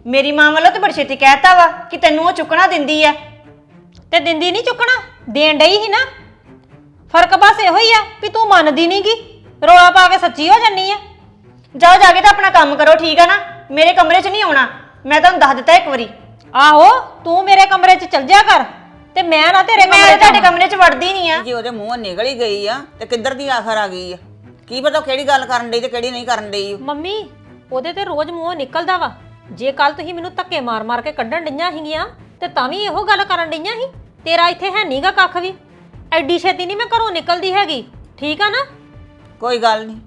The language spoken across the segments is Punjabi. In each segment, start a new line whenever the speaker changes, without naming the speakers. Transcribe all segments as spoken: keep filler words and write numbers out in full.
ਮੇਰੀ ਮਾਂ ਵੱਲੋਂ ਤੇ ਬੜੀ ਛੇਤੀ ਕਹਿਤਾ ਵਾ ਕਿ ਤੈਨੂੰ ਉਹ ਚੁੱਕਣਾ ਦਿੰਦੀ ਆ।
ਤੇ ਦਿੰਦੀ ਨਹੀਂ ਚੁੱਕਣਾ, ਦੇਣ ਡਈ ਸੀ ਨਾ। ਫਰਕ ਬਸ ਇਹੋ ਹੀ ਆ ਵੀ ਤੂੰ ਮੰਨਦੀ ਨੀ ਗੀ, ਰੋਲਾ ਪਾ ਕੇ ਸੱਚੀ ਹੋ ਜੰਨੀ ਆ।
ਜਾਓ ਜਾ ਕੇ ਤਾਂ ਆਪਣਾ ਕੰਮ ਕਰੋ, ਠੀਕ ਆ ਨਾ। ਮੇਰੇ ਕਮਰੇ 'ਚ ਨਹੀਂ ਆਉਣਾ, ਮੈਂ ਤੁਹਾਨੂੰ ਦੱਸ ਦਿੱਤਾ ਇੱਕ ਵਾਰੀ।
ਆਹੋ ਤੂੰ ਮੇਰੇ ਕਮਰੇ 'ਚ ਚਲ ਜਾ ਕਰ ਤੇ ਮੈਂ ਨਾ ਤੇਰੇ
ਮੈਂ
ਕਮਰੇ 'ਚ
ਤੁਹਾਡੇ ਕਮਰੇ 'ਚ ਵੜਦੀ ਨਹੀਂ ਆ।
ਜੇ ਉਹਦੇ ਮੂੰਹੋਂ ਨਿਕਲ ਹੀ ਗਈ ਆ ਤੇ ਕਿੱਧਰ ਦੀ ਆਖਰ ਆ ਗਈ ਆ? ਕੀ ਪਤਾ ਕਿਹੜੀ ਗੱਲ ਕਰਨ ਡਈ ਤੇ ਕਿਹੜੀ ਨਹੀਂ ਕਰਨ ਡਈ।
ਮੰਮੀ ਉਹਦੇ ਤੇ ਰੋਜ਼ ਮੂੰਹੋਂ ਨਿਕਲਦਾ ਵਾ। ਜੇ ਕੱਲ ਤੁਸੀਂ ਮੈਨੂੰ ਧੱਕੇ ਮਾਰ ਮਾਰ ਕੇ ਕੱਢਣ ਡਈਆਂ ਸੀਗੀਆਂ ਤੇ ਤਾਂ ਵੀ ਇਹੋ ਗੱਲ ਕਰਨ ਡਈਆਂ ਸੀ। ਤੇਰਾ ਇੱਥੇ ਹੈ ਨਹੀਂਗਾ ਕੱਖ ਵੀ, ਐਡੀ ਛੇਤੀ ਨਹੀਂ ਮੈਂ ਘਰੋਂ ਨਿਕਲਦੀ ਹੈਗੀ, ਠੀਕ ਆ ਨਾ?
ਕੋਈ ਗੱਲ ਨਹੀਂ।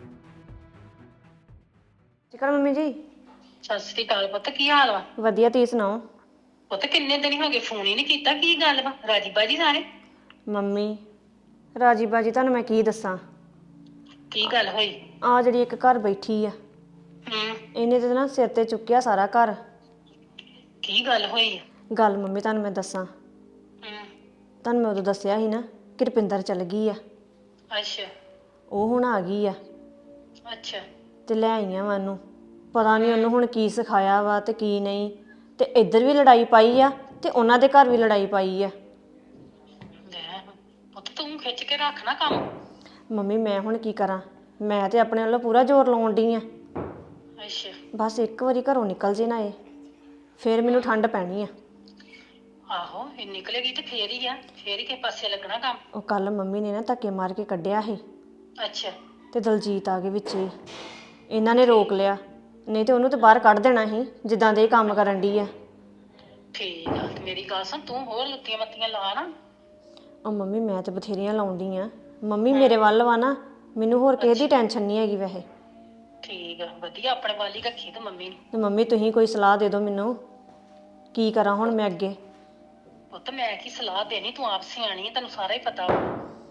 ਚਿਕਨ ਮੰਮੀ ਜੀ।
ਸਤਿ ਸ੍ਰੀ ਅਕਾਲ ਪੁੱਤ, ਕੀ ਹਾਲ ਵਾ?
ਵਧੀਆ, ਤੁਸੀਂ ਸੁਣਾਓ?
ਪੁੱਤ ਕਿੰਨੇ ਦਿਨ ਹੋ ਗਏ ਫੋਨ ਹੀ ਨਹੀਂ ਕੀਤਾ, ਕੀ ਗੱਲ ਵਾ? ਰਾਜੀ ਬਾਜੀ ਸਾਰੇ?
ਮੰਮੀ ਰਾਜੀ ਬਾਜੀ ਤੁਹਾਨੂੰ ਮੈਂ ਕੀ ਦੱਸਾਂ।
ਕੀ ਗੱਲ ਹੋਈ?
ਆ ਜਿਹੜੀ ਇੱਕ ਘਰ ਬੈਠੀ ਆ,
ਹੂੰ,
ਇਹਨੇ ਤੇ ਨਾ ਸਿਰ ਤੇ ਚੁੱਕਿਆ ਸਾਰਾ ਘਰ।
ਕੀ ਗੱਲ ਹੋਈ?
ਗੱਲ ਮੰਮੀ ਤੁਹਾਨੂੰ ਮੈਂ ਦੱਸਾਂ,
ਹੂੰ,
ਤੁਹਾਨੂੰ ਮੈਂ ਉਦੋਂ ਦੱਸਿਆ ਸੀ ਨਾ ਕਿ ਰੁਪਿੰਦਰ ਚੱਲ ਗਈ ਆ।
ਅੱਛਾ
ਉਹ ਹੁਣ ਆ ਗਈ ਆ
ਅੱਛਾ।
ਤੇ ਲੈ ਆਈਆਂ ਵਾ ਉਹਨੂੰ। ਪਤਾ ਨਹੀਂ ਉਹਨੂੰ ਹੁਣ ਕੀ ਸਿਖਾਇਆ ਵਾ ਤੇ ਕੀ ਨਹੀਂ। ਤੇ ਇੱਧਰ ਵੀ ਲੜਾਈ ਪਾਈ ਆ ਤੇ ਉਹਨਾਂ ਦੇ ਘਰ ਵੀ ਲੜਾਈ ਪਾਈ ਆ।
ਲੈ ਪੁੱਤ ਤੂੰ ਖਿੱਚ ਕੇ ਰੱਖ ਨਾ ਕੰਮ।
ਮੰਮੀ ਮੈਂ ਹੁਣ ਕੀ ਕਰਾਂ, ਮੈਂ ਤੇ ਆਪਣੇ ਵੱਲੋਂ ਪੂਰਾ ਜ਼ੋਰ ਲਾਉਣ ਡਈ ਆ।
ਅੱਛਾ
ਬਸ ਇੱਕ ਵਾਰੀ ਘਰੋਂ ਨਿਕਲ ਜੇ ਨਾ ਇਹ, ਫੇਰ ਮੈਨੂੰ ਠੰਡ ਪੈਣੀ ਆ।
ਆਹੋ ਇਹ ਨਿਕਲੇਗੀ ਤੇ ਫੇਰ ਹੀ ਆ, ਫੇਰ ਹੀ ਕਿਸੇ ਪਾਸੇ ਲੱਗਣਾ ਕੰਮ।
ਉਹ ਕੱਲ ਮੰਮੀ ਨੇ ਨਾ ਧੱਕੇ ਮਾਰ ਕੇ ਕੱਢਿਆ ਸੀ
ਅੱਛਾ
ਤੇ ਦਲਜੀਤ ਆ ਗਏ ਵਿੱਚ ਹੀ। ਇਹਨਾਂ ਨੇ ਰੋਕ ਲਿਆ, ਨਹੀਂ ਤੇ ਉਹਨੂੰ ਤੇ ਬਾਹਰ ਕੱਢ ਦੇਣਾ ਸੀ ਜਿੱਦਾਂ ਦੇ ਇਹ ਕੰਮ ਕਰਨ ਡਈ ਆ।
ਠੀਕ ਆ, ਤੇ ਮੇਰੀ ਗੱਲ ਸੁਣ, ਤੂੰ ਹੋਰ ਲੁੱਤੀਆਂ ਮੱਤੀਆਂ ਲਾ ਨਾ।
ਉਹ ਮੰਮੀ ਮੈਂ ਤੇ ਬਥੇਰੀਆਂ ਲਾਉਂਦੀ ਆ। ਮੰਮੀ ਮੇਰੇ ਵੱਲ ਵਾ ਨਾ, ਮੈਨੂੰ ਹੋਰ ਕਿਸੇ ਦੀ ਟੈਨਸ਼ਨ ਨਹੀਂ ਹੈਗੀ ਵੈਸੇ।
ਠੀਕ ਆ, ਵਧੀਆ ਆਪਣੇ ਵਾਲੀ ਰੱਖੀ ਤੂੰ ਮੰਮੀ ਨੂੰ।
ਤੇ ਮੰਮੀ ਤੁਸੀਂ ਕੋਈ ਸਲਾਹ ਦੇ ਦਿਓ ਮੈਨੂੰ, ਕੀ ਕਰਾਂ ਹੁਣ ਮੈਂ ਅੱਗੇ।
ਪੁੱਤ ਮੈਂ ਕੀ ਸਲਾਹ ਦੇਣੀ, ਤੂੰ ਆਪ ਸਿਆਣੀ ਆ, ਤੈਨੂੰ ਸਾਰਾ ਹੀ ਪਤਾ ਵਾ।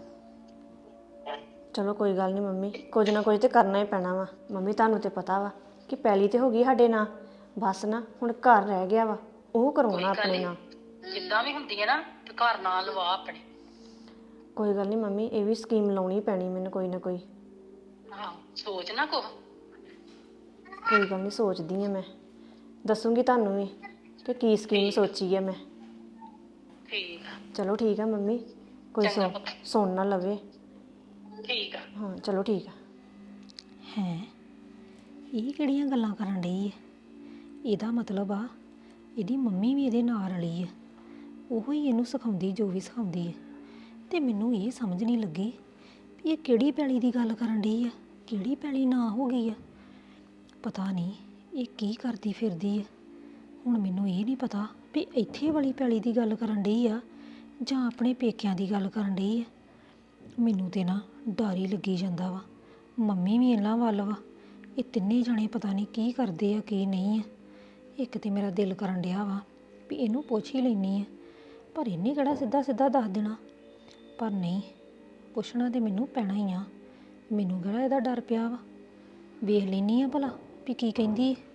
ਚਲੋ ਕੋਈ ਗੱਲ ਨਹੀਂ ਮੰਮੀ, ਕੁਝ ਨਾ ਕੁਝ ਤੇ ਕਰਨਾ ਹੀ ਪੈਣਾ ਵਾ। ਮੰਮੀ ਤੁਹਾਨੂੰ ਤੇ ਪਤਾ ਵਾ ਕਿ ਪੈਲੀ ਤੇ ਹੋ ਗਈ ਸਾਡੇ ਨਾਲ, ਬਸ ਨਾ ਹੁਣ ਘਰ ਰਹਿ ਗਿਆ ਵਾ, ਉਹ ਕਰਵਾਉਣਾ ਆਪਣੇ ਨਾਲ।
ਜਿੱਦਾਂ ਵੀ ਹੁੰਦੀ ਹੈ ਨਾ ਤੇ ਘਰ ਨਾਲ ਲਵਾ ਆਪਣੇ।
ਕੋਈ ਗੱਲ ਨਹੀਂ ਮੰਮੀ, ਇਹ ਵੀ ਸਕੀਮ ਲਾਉਣੀ ਪੈਣੀ ਮੈਨੂੰ ਕੋਈ ਨਾ ਕੋਈ।
ਆਹੋ ਸੋਚ ਨਾ ਕੁਛ।
ਕੋਈ ਗੱਲ ਨਹੀਂ ਸੋਚਦੀ ਆ, ਮੈਂ ਦੱਸੂਗੀ ਤੁਹਾਨੂੰ ਵੀ ਕਿ ਕੀ ਸਕੀਮ ਸੋਚੀ ਆ ਮੈਂ।
ਠੀਕ ਆ
ਚਲੋ ਠੀਕ ਆ ਮੰਮੀ, ਕੋਈ
ਚੰਗਾ
ਸੁਣ
ਪੁੱਤ।
ਸੁਣ ਨਾ ਲਵੇ।
ਠੀਕ ਆ।
ਹਾਂ ਚਲੋ ਠੀਕ ਆ।
ਹੈ ਇਹ ਕਿਹੜੀਆਂ ਗੱਲਾਂ ਕਰਨ ਡਈ ਹੈ? ਇਹਦਾ ਮਤਲਬ ਆ ਇਹਦੀ ਮੰਮੀ ਵੀ ਇਹਦੇ ਨਾਲ ਰਲੀ ਹੈ, ਉਹੋ ਹੀ ਇਹਨੂੰ ਸਿਖਾਉਂਦੀ ਜੋ ਵੀ ਸਿਖਾਉਂਦੀ ਹੈ। ਤੇ ਮੈਨੂੰ ਇਹ ਸਮਝ ਨਹੀਂ ਲੱਗੀ ਵੀ ਇਹ ਕਿਹੜੀ ਪੈਲੀ ਦੀ ਗੱਲ ਕਰਨ ਡਈ ਆ, ਕਿਹੜੀ ਪੈਲੀ ਨਾ ਹੋ ਗਈ ਆ। ਪਤਾ ਨਹੀਂ ਇਹ ਕੀ ਕਰਦੀ ਫਿਰਦੀ ਹੈ। ਹੁਣ ਮੈਨੂੰ ਇਹ ਨਹੀਂ ਪਤਾ ਵੀ ਇੱਥੇ ਵਾਲੀ ਪੈਲੀ ਦੀ ਗੱਲ ਕਰਨ ਡਈ ਆ ਜਾਂ ਆਪਣੇ ਪੇਕਿਆਂ ਦੀ ਗੱਲ ਕਰਨ ਡਈ ਆ। ਮੈਨੂੰ ਤੇ ਨਾ ਡਰ ਹੀ ਲੱਗੀ ਜਾਂਦਾ ਵਾ। ਮੰਮੀ ਵੀ ਇਹਨਾਂ ਵੱਲ ਵਾ, ਇਹ ਤਿੰਨੇ ਜਣੇ ਪਤਾ ਨਹੀਂ ਕੀ ਕਰਦੇ ਆ ਕੀ ਨਹੀਂ ਆ। ਇੱਕ ਤੇ ਮੇਰਾ ਦਿਲ ਕਰਨ ਡਿਆ ਵਾ ਵੀ ਇਹਨੂੰ ਪੁੱਛ ਹੀ ਲੈਣੀ ਆ, ਪਰ ਇਹਨੇ ਕਿਹੜਾ ਸਿੱਧਾ ਸਿੱਧਾ ਦੱਸ ਦੇਣਾ। ਪਰ ਨਹੀਂ, ਪੁੱਛਣਾ ਤੇ ਮੈਨੂੰ ਪੈਣਾ ਹੀ ਆ। ਮੈਨੂੰ ਕਿਹੜਾ ਇਹਦਾ ਡਰ ਪਿਆ ਵਾ, ਵੇਖ ਲੈਣੀ ਆ ਭਲਾ ਵੀ ਕੀ ਕਹਿੰਦੀ ਹੈ।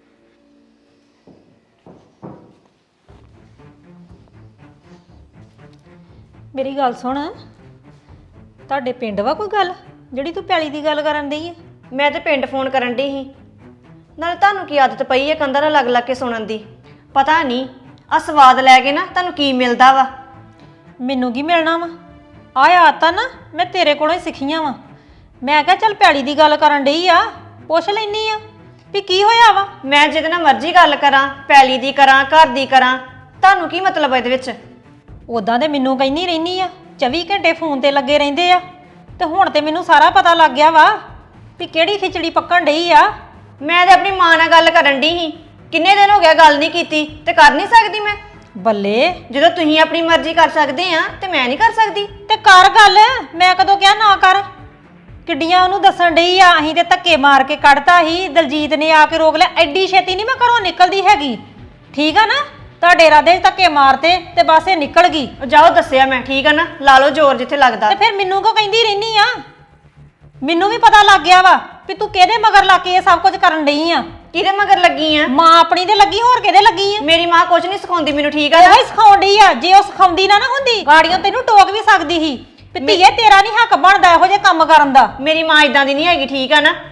ਮੇਰੀ ਗੱਲ ਸੁਣ, ਤੁਹਾਡੇ ਪਿੰਡ ਵਾ ਕੋਈ ਗੱਲ ਜਿਹੜੀ ਤੂੰ ਪੈਲੀ ਦੀ ਗੱਲ ਕਰਨ ਡਈ ਹੈ?
ਮੈਂ ਤੇ ਪਿੰਡ ਫੋਨ ਕਰਨ ਡਈ ਸੀ, ਨਾਲੇ ਤੁਹਾਨੂੰ ਕੀ ਆਦਤ ਪਈ ਹੈ ਕੰਧਾਂ ਨਾਲ ਲੱਗ ਲੱਗ ਕੇ ਸੁਣਨ ਦੀ? ਪਤਾ ਨਹੀਂ ਆ ਸਵਾਦ ਲੈ ਕੇ ਨਾ ਤੁਹਾਨੂੰ ਕੀ ਮਿਲਦਾ ਵਾ।
ਮੈਨੂੰ ਕੀ ਮਿਲਣਾ ਵਾ? ਆਹ ਆਦਤਾਂ ਨਾ ਮੈਂ ਤੇਰੇ ਕੋਲੋਂ ਹੀ ਸਿੱਖੀਆਂ ਵਾ। ਮੈਂ ਕਿਹਾ ਚੱਲ ਪੈਲੀ ਦੀ ਗੱਲ ਕਰਨ ਡਈ ਆ, ਪੁੱਛ ਲੈਣੀ ਆ ਵੀ ਕੀ ਹੋਇਆ ਵਾ।
ਮੈਂ ਜਿਹਦੇ ਨਾਲ ਮਰਜ਼ੀ ਗੱਲ ਕਰਾਂ, ਪੈਲੀ ਦੀ ਕਰਾਂ, ਘਰ ਦੀ ਕਰਾਂ, ਤੁਹਾਨੂੰ ਕੀ ਮਤਲਬ ਹੈ ਇਹਦੇ ਵਿੱਚ?
ਉਦਾਂ ਤੇ ਮੈਨੂੰ ਕਹਿੰਦੀ ਰਹਿਨੀ ਆ, ਚੌਵੀ ਘੰਟੇ ਫੋਨ ਤੇ ਲੱਗੇ ਰਹਿੰਦੇ ਆ, ਤੇ ਹੁਣ ਤੇ ਮੈਨੂੰ ਸਾਰਾ ਪਤਾ ਲੱਗ ਗਿਆ ਵਾ ਵੀ ਕਿਹੜੀ ਖਿਚੜੀ ਪੱਕਣ ਡਈ ਆ।
ਮੈਂ ਤੇ ਆਪਣੀ ਮਾਂ ਨਾਲ ਗੱਲ ਕਰਨ ਡਈ ਸੀ, ਕਿੰਨੇ ਦਿਨ ਹੋ ਗਿਆ ਗੱਲ ਨਹੀਂ ਕੀਤੀ, ਤੇ ਕਰ ਨਹੀਂ ਸਕਦੀ ਮੈਂ?
ਬੱਲੇ,
ਜਦੋਂ ਤੁਸੀਂ ਆਪਣੀ ਮਰਜ਼ੀ ਕਰ ਸਕਦੇ ਆ ਤੇ ਮੈਂ ਨਹੀਂ ਕਰ ਸਕਦੀ?
ਤੇ ਕਰ ਗੱਲ, ਮੈਂ ਕਦੋਂ ਕਿਹਾ ਨਾ ਕਰ। ਕਿੱਡੀਆਂ ਉਹਨੂੰ ਦੱਸਣ ਡਈ ਆ, ਅਸੀਂ ਤੇ ਧੱਕੇ ਮਾਰ ਕੇ ਕੱਢਤਾ ਸੀ, ਦਲਜੀਤ ਨੇ ਆ ਕੇ ਰੋਕ ਲਿਆ। ਐਡੀ ਛੇਤੀ ਨਹੀਂ ਮੈਂ ਘਰੋਂ ਨਿਕਲਦੀ ਹੈਗੀ, ਠੀਕ ਆ ਨਾ? ਤੁਹਾਡੇ ਇਰਾਦੇ 'ਚ ਧੱਕੇ ਮਾਰਤੇ ਤੇ ਬਸ ਇਹ ਨਿਕਲ ਗਈ।
ਜਾਓ ਦੱਸਿਆ ਮੈਂ, ਠੀਕ ਆ ਨਾ? ਲਾ ਲਓ ਜ਼ੋਰ ਜਿੱਥੇ ਲੱਗਦਾ।
ਤੇ ਫਿਰ ਮੈਨੂੰ ਕੋ ਕਹਿੰਦੀ ਰਹਿਨੀ ਆ? ਮੈਨੂੰ ਵੀ ਪਤਾ ਲੱਗ ਗਿਆ ਵਾ ਵੀ ਤੂੰ ਕਿਹਦੇ ਮਗਰ ਲੱਗ ਕੇ ਇਹ ਸਭ ਕੁਝ ਕਰਨ ਡਈ ਆ।
ਕਿਹਦੇ ਮਗਰ ਲੱਗੀ ਆ?
ਮਾਂ ਆਪਣੀ ਦੇ ਲੱਗੀ, ਹੋਰ ਕਿਹਦੇ ਲੱਗੀ ਆ?
ਮੇਰੀ ਮਾਂ ਕੁਝ ਨਹੀਂ ਸਿਖਾਉਂਦੀ ਮੈਨੂੰ, ਠੀਕ ਆ ਨਾ?
ਉਹ ਹੀ ਸਿਖਾਉਣ ਡਈ ਆ। ਜੇ ਉਹ ਸਿਖਾਉਂਦੀ ਨਾ ਨਾ ਹੁੰਦੀ, ਗਾੜੀਆਂ ਤੈਨੂੰ ਟੋਕ ਵੀ ਸਕਦੀ ਸੀ ਵੀ ਧੀਏ ਤੇਰਾ ਨਹੀਂ ਹੱਕ ਬਣਦਾ ਇਹੋ ਜਿਹੇ ਕੰਮ ਕਰਨ ਦਾ।
ਮੇਰੀ ਮਾਂ ਇਦਾਂ ਦੀ ਨਹੀਂ ਹੈਗੀ, ਠੀਕ ਆ ਨਾ?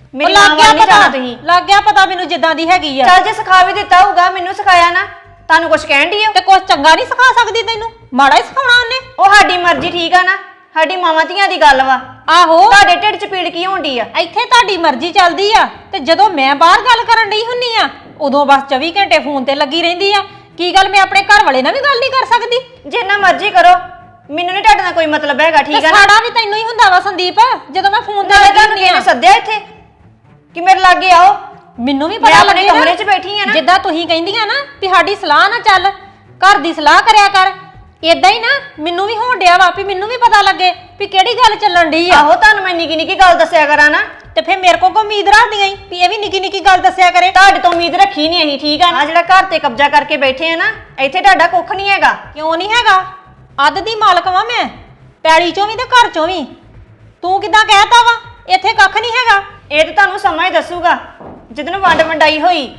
ਮੇਰੀ
ਲੱਗ
ਮਾਂ
ਗਿਆ
ਵੱਲ ਨਹੀਂ ਜਾਣਾ
ਪਤਾ
ਤੁਸੀਂ
ਲੱਗ ਗਿਆ ਪਤਾ ਮੈਨੂੰ ਜਿੱਦਾਂ ਦੀ ਹੈਗੀ ਆ
ਚੱਲ ਜੇ ਸਿਖਾ ਵੀ ਦਿੱਤਾ ਹੋਊਗਾ ਮੈਨੂੰ ਸਿਖਾਇਆ ਨਾ ਤੁਹਾਨੂੰ ਕੁਝ ਕਹਿਣ ਦੀ
ਤੇ ਕੁਝ ਚੰਗਾ ਨਹੀਂ ਸਿਖਾ ਸਕਦੀ ਤੈਨੂੰ ਮਾੜਾ ਹੀ ਸਿਖਾਉਣਾ ਉਹਨੇ
ਉਹ ਸਾਡੀ ਮਰਜ਼ੀ ਠੀਕ ਆ ਨਾ ਸਾਡੀ ਮਾਵਾਂ ਧੀਆਂ ਦੀ ਗੱਲ ਵਾ
ਆਹੋ
ਤੁਹਾਡੇ ਢਿੱਡ 'ਚ ਪੀੜ ਕੀ ਹੋਣੀ ਆ
ਇੱਥੇ ਤੁਹਾਡੀ ਮਰਜ਼ੀ ਚੱਲਦੀ ਆ ਤੇ ਜਦੋਂ ਮੈਂ ਬਾਹਰ ਗੱਲ ਕਰਨ ਡਈ ਹੁੰਨੀ ਆ ਉਦੋਂ ਬਸ ਚੌਵੀ ਘੰਟੇ ਫੋਨ ਤੇ ਲੱਗੀ ਰਹਿੰਦੀ ਆ ਕੀ ਗੱਲ ਮੈਂ ਆਪਣੇ ਘਰ ਵਾਲੇ ਨਾਲ ਵੀ ਗੱਲ ਨਹੀਂ ਕਰ ਸਕਦੀ
ਜਿੰਨਾ ਮਰਜ਼ੀ ਕਰੋ ਮੈਨੂੰ ਨਹੀਂ ਤੁਹਾਡੇ ਨਾਲ ਕੋਈ ਮਤਲਬ ਹੈਗਾ ਠੀਕ
ਤੇ
ਆ ਨਾ
ਸਾੜਾ ਵੀ ਤੈਨੂੰ ਹੀ ਹੁੰਦਾ ਵਾ ਸੰਦੀਪ ਜਦੋਂ ਮੈਂ ਫੋਨ ਤੇ
ਨਾਲੇ
ਲੱਗੀ
ਤੁਹਾਨੂੰ
ਹੁੰਨੀ ਆ
ਕਿਹਨੇ ਸੱਦਿਆ ਇੱਥੇ ਕਿ ਮੇਰੇ ਲਾਗੇ ਆਓ
ਮੈਨੂੰ ਵੀ
ਮੈਂ
ਪਤਾ
ਆਪਣੇ
ਲੱਗੇ
ਕਮਰੇ 'ਚ ਬੈਠੀ ਆ ਨਾ
ਜਿੱਦਾਂ ਤੁਸੀਂ ਕਹਿੰਦੀਆਂ ਨਾ ਵੀ ਸਾਡੀ ਸਲਾਹ ਨਾ ਚੱਲ ਘਰ ਦੀ ਸਲਾਹ ਕਰਿਆ ਕਰ ਇਦਾਂ ਹੀ ਨਾ ਮੈਨੂੰ ਵੀ ਹੋਣ ਡਿਆ ਵਾ ਵੀ ਮੈਨੂੰ ਵੀ ਪਤਾ ਲੱਗੇ ਵੀ ਕਿਹੜੀ ਗੱਲ ਚੱਲਣ ਡਈ ਆ
ਆਹੋ ਤੁਹਾਨੂੰ ਮੈਂ ਨਿੱਕੀ ਨਿੱਕੀ ਗੱਲ ਦੱਸਿਆ ਕਰਾਂ ਨਾ
ਤੇ ਫਿਰ ਮੇਰੇ ਕੋਲ ਕੋ ਉਮੀਦ ਰੱਖਦੀਆਂ ਈ ਵੀ ਇਹ ਵੀ ਨਿੱਕੀ ਨਿੱਕੀ ਗੱਲ ਦੱਸਿਆ ਕਰੇ
ਤੁਹਾਡੇ ਤੋਂ ਉਮੀਦ ਰੱਖੀ ਨਹੀਂ ਅਸੀਂ ਠੀਕ ਆ ਨਾ ਜਿਹੜਾ ਘਰ ਤੇ ਕਬਜ਼ਾ ਕਰਕੇ ਬੈਠੇ ਆ ਨਾ ਇੱਥੇ ਤੁਹਾਡਾ ਕੁੱਖ ਨਹੀਂ ਹੈਗਾ
ਕਿਉਂ ਨਹੀਂ ਹੈਗਾ ਅੱਧ ਦੀ ਮਾਲਕ ਵਾਂ ਮੈਂ ਪੈੜੀ ਚੋਂ ਵੀ ਤੇ ਘਰ ਚੋਂ ਵੀ ਤੂੰ ਕਿਦਾਂ ਕਹਿਤਾ ਵਾ ਇੱਥੇ ਕੱਖ ਨਹੀਂ ਹੈਗਾ
ਇਹ ਤਾਂ ਤੁਹਾਨੂੰ ਸਮਾਂ ਹੀ ਦੱਸੂਗਾ ਜਿੱਦਣ ਵੰਡ ਵੰਡਾਈ ਹੋਈ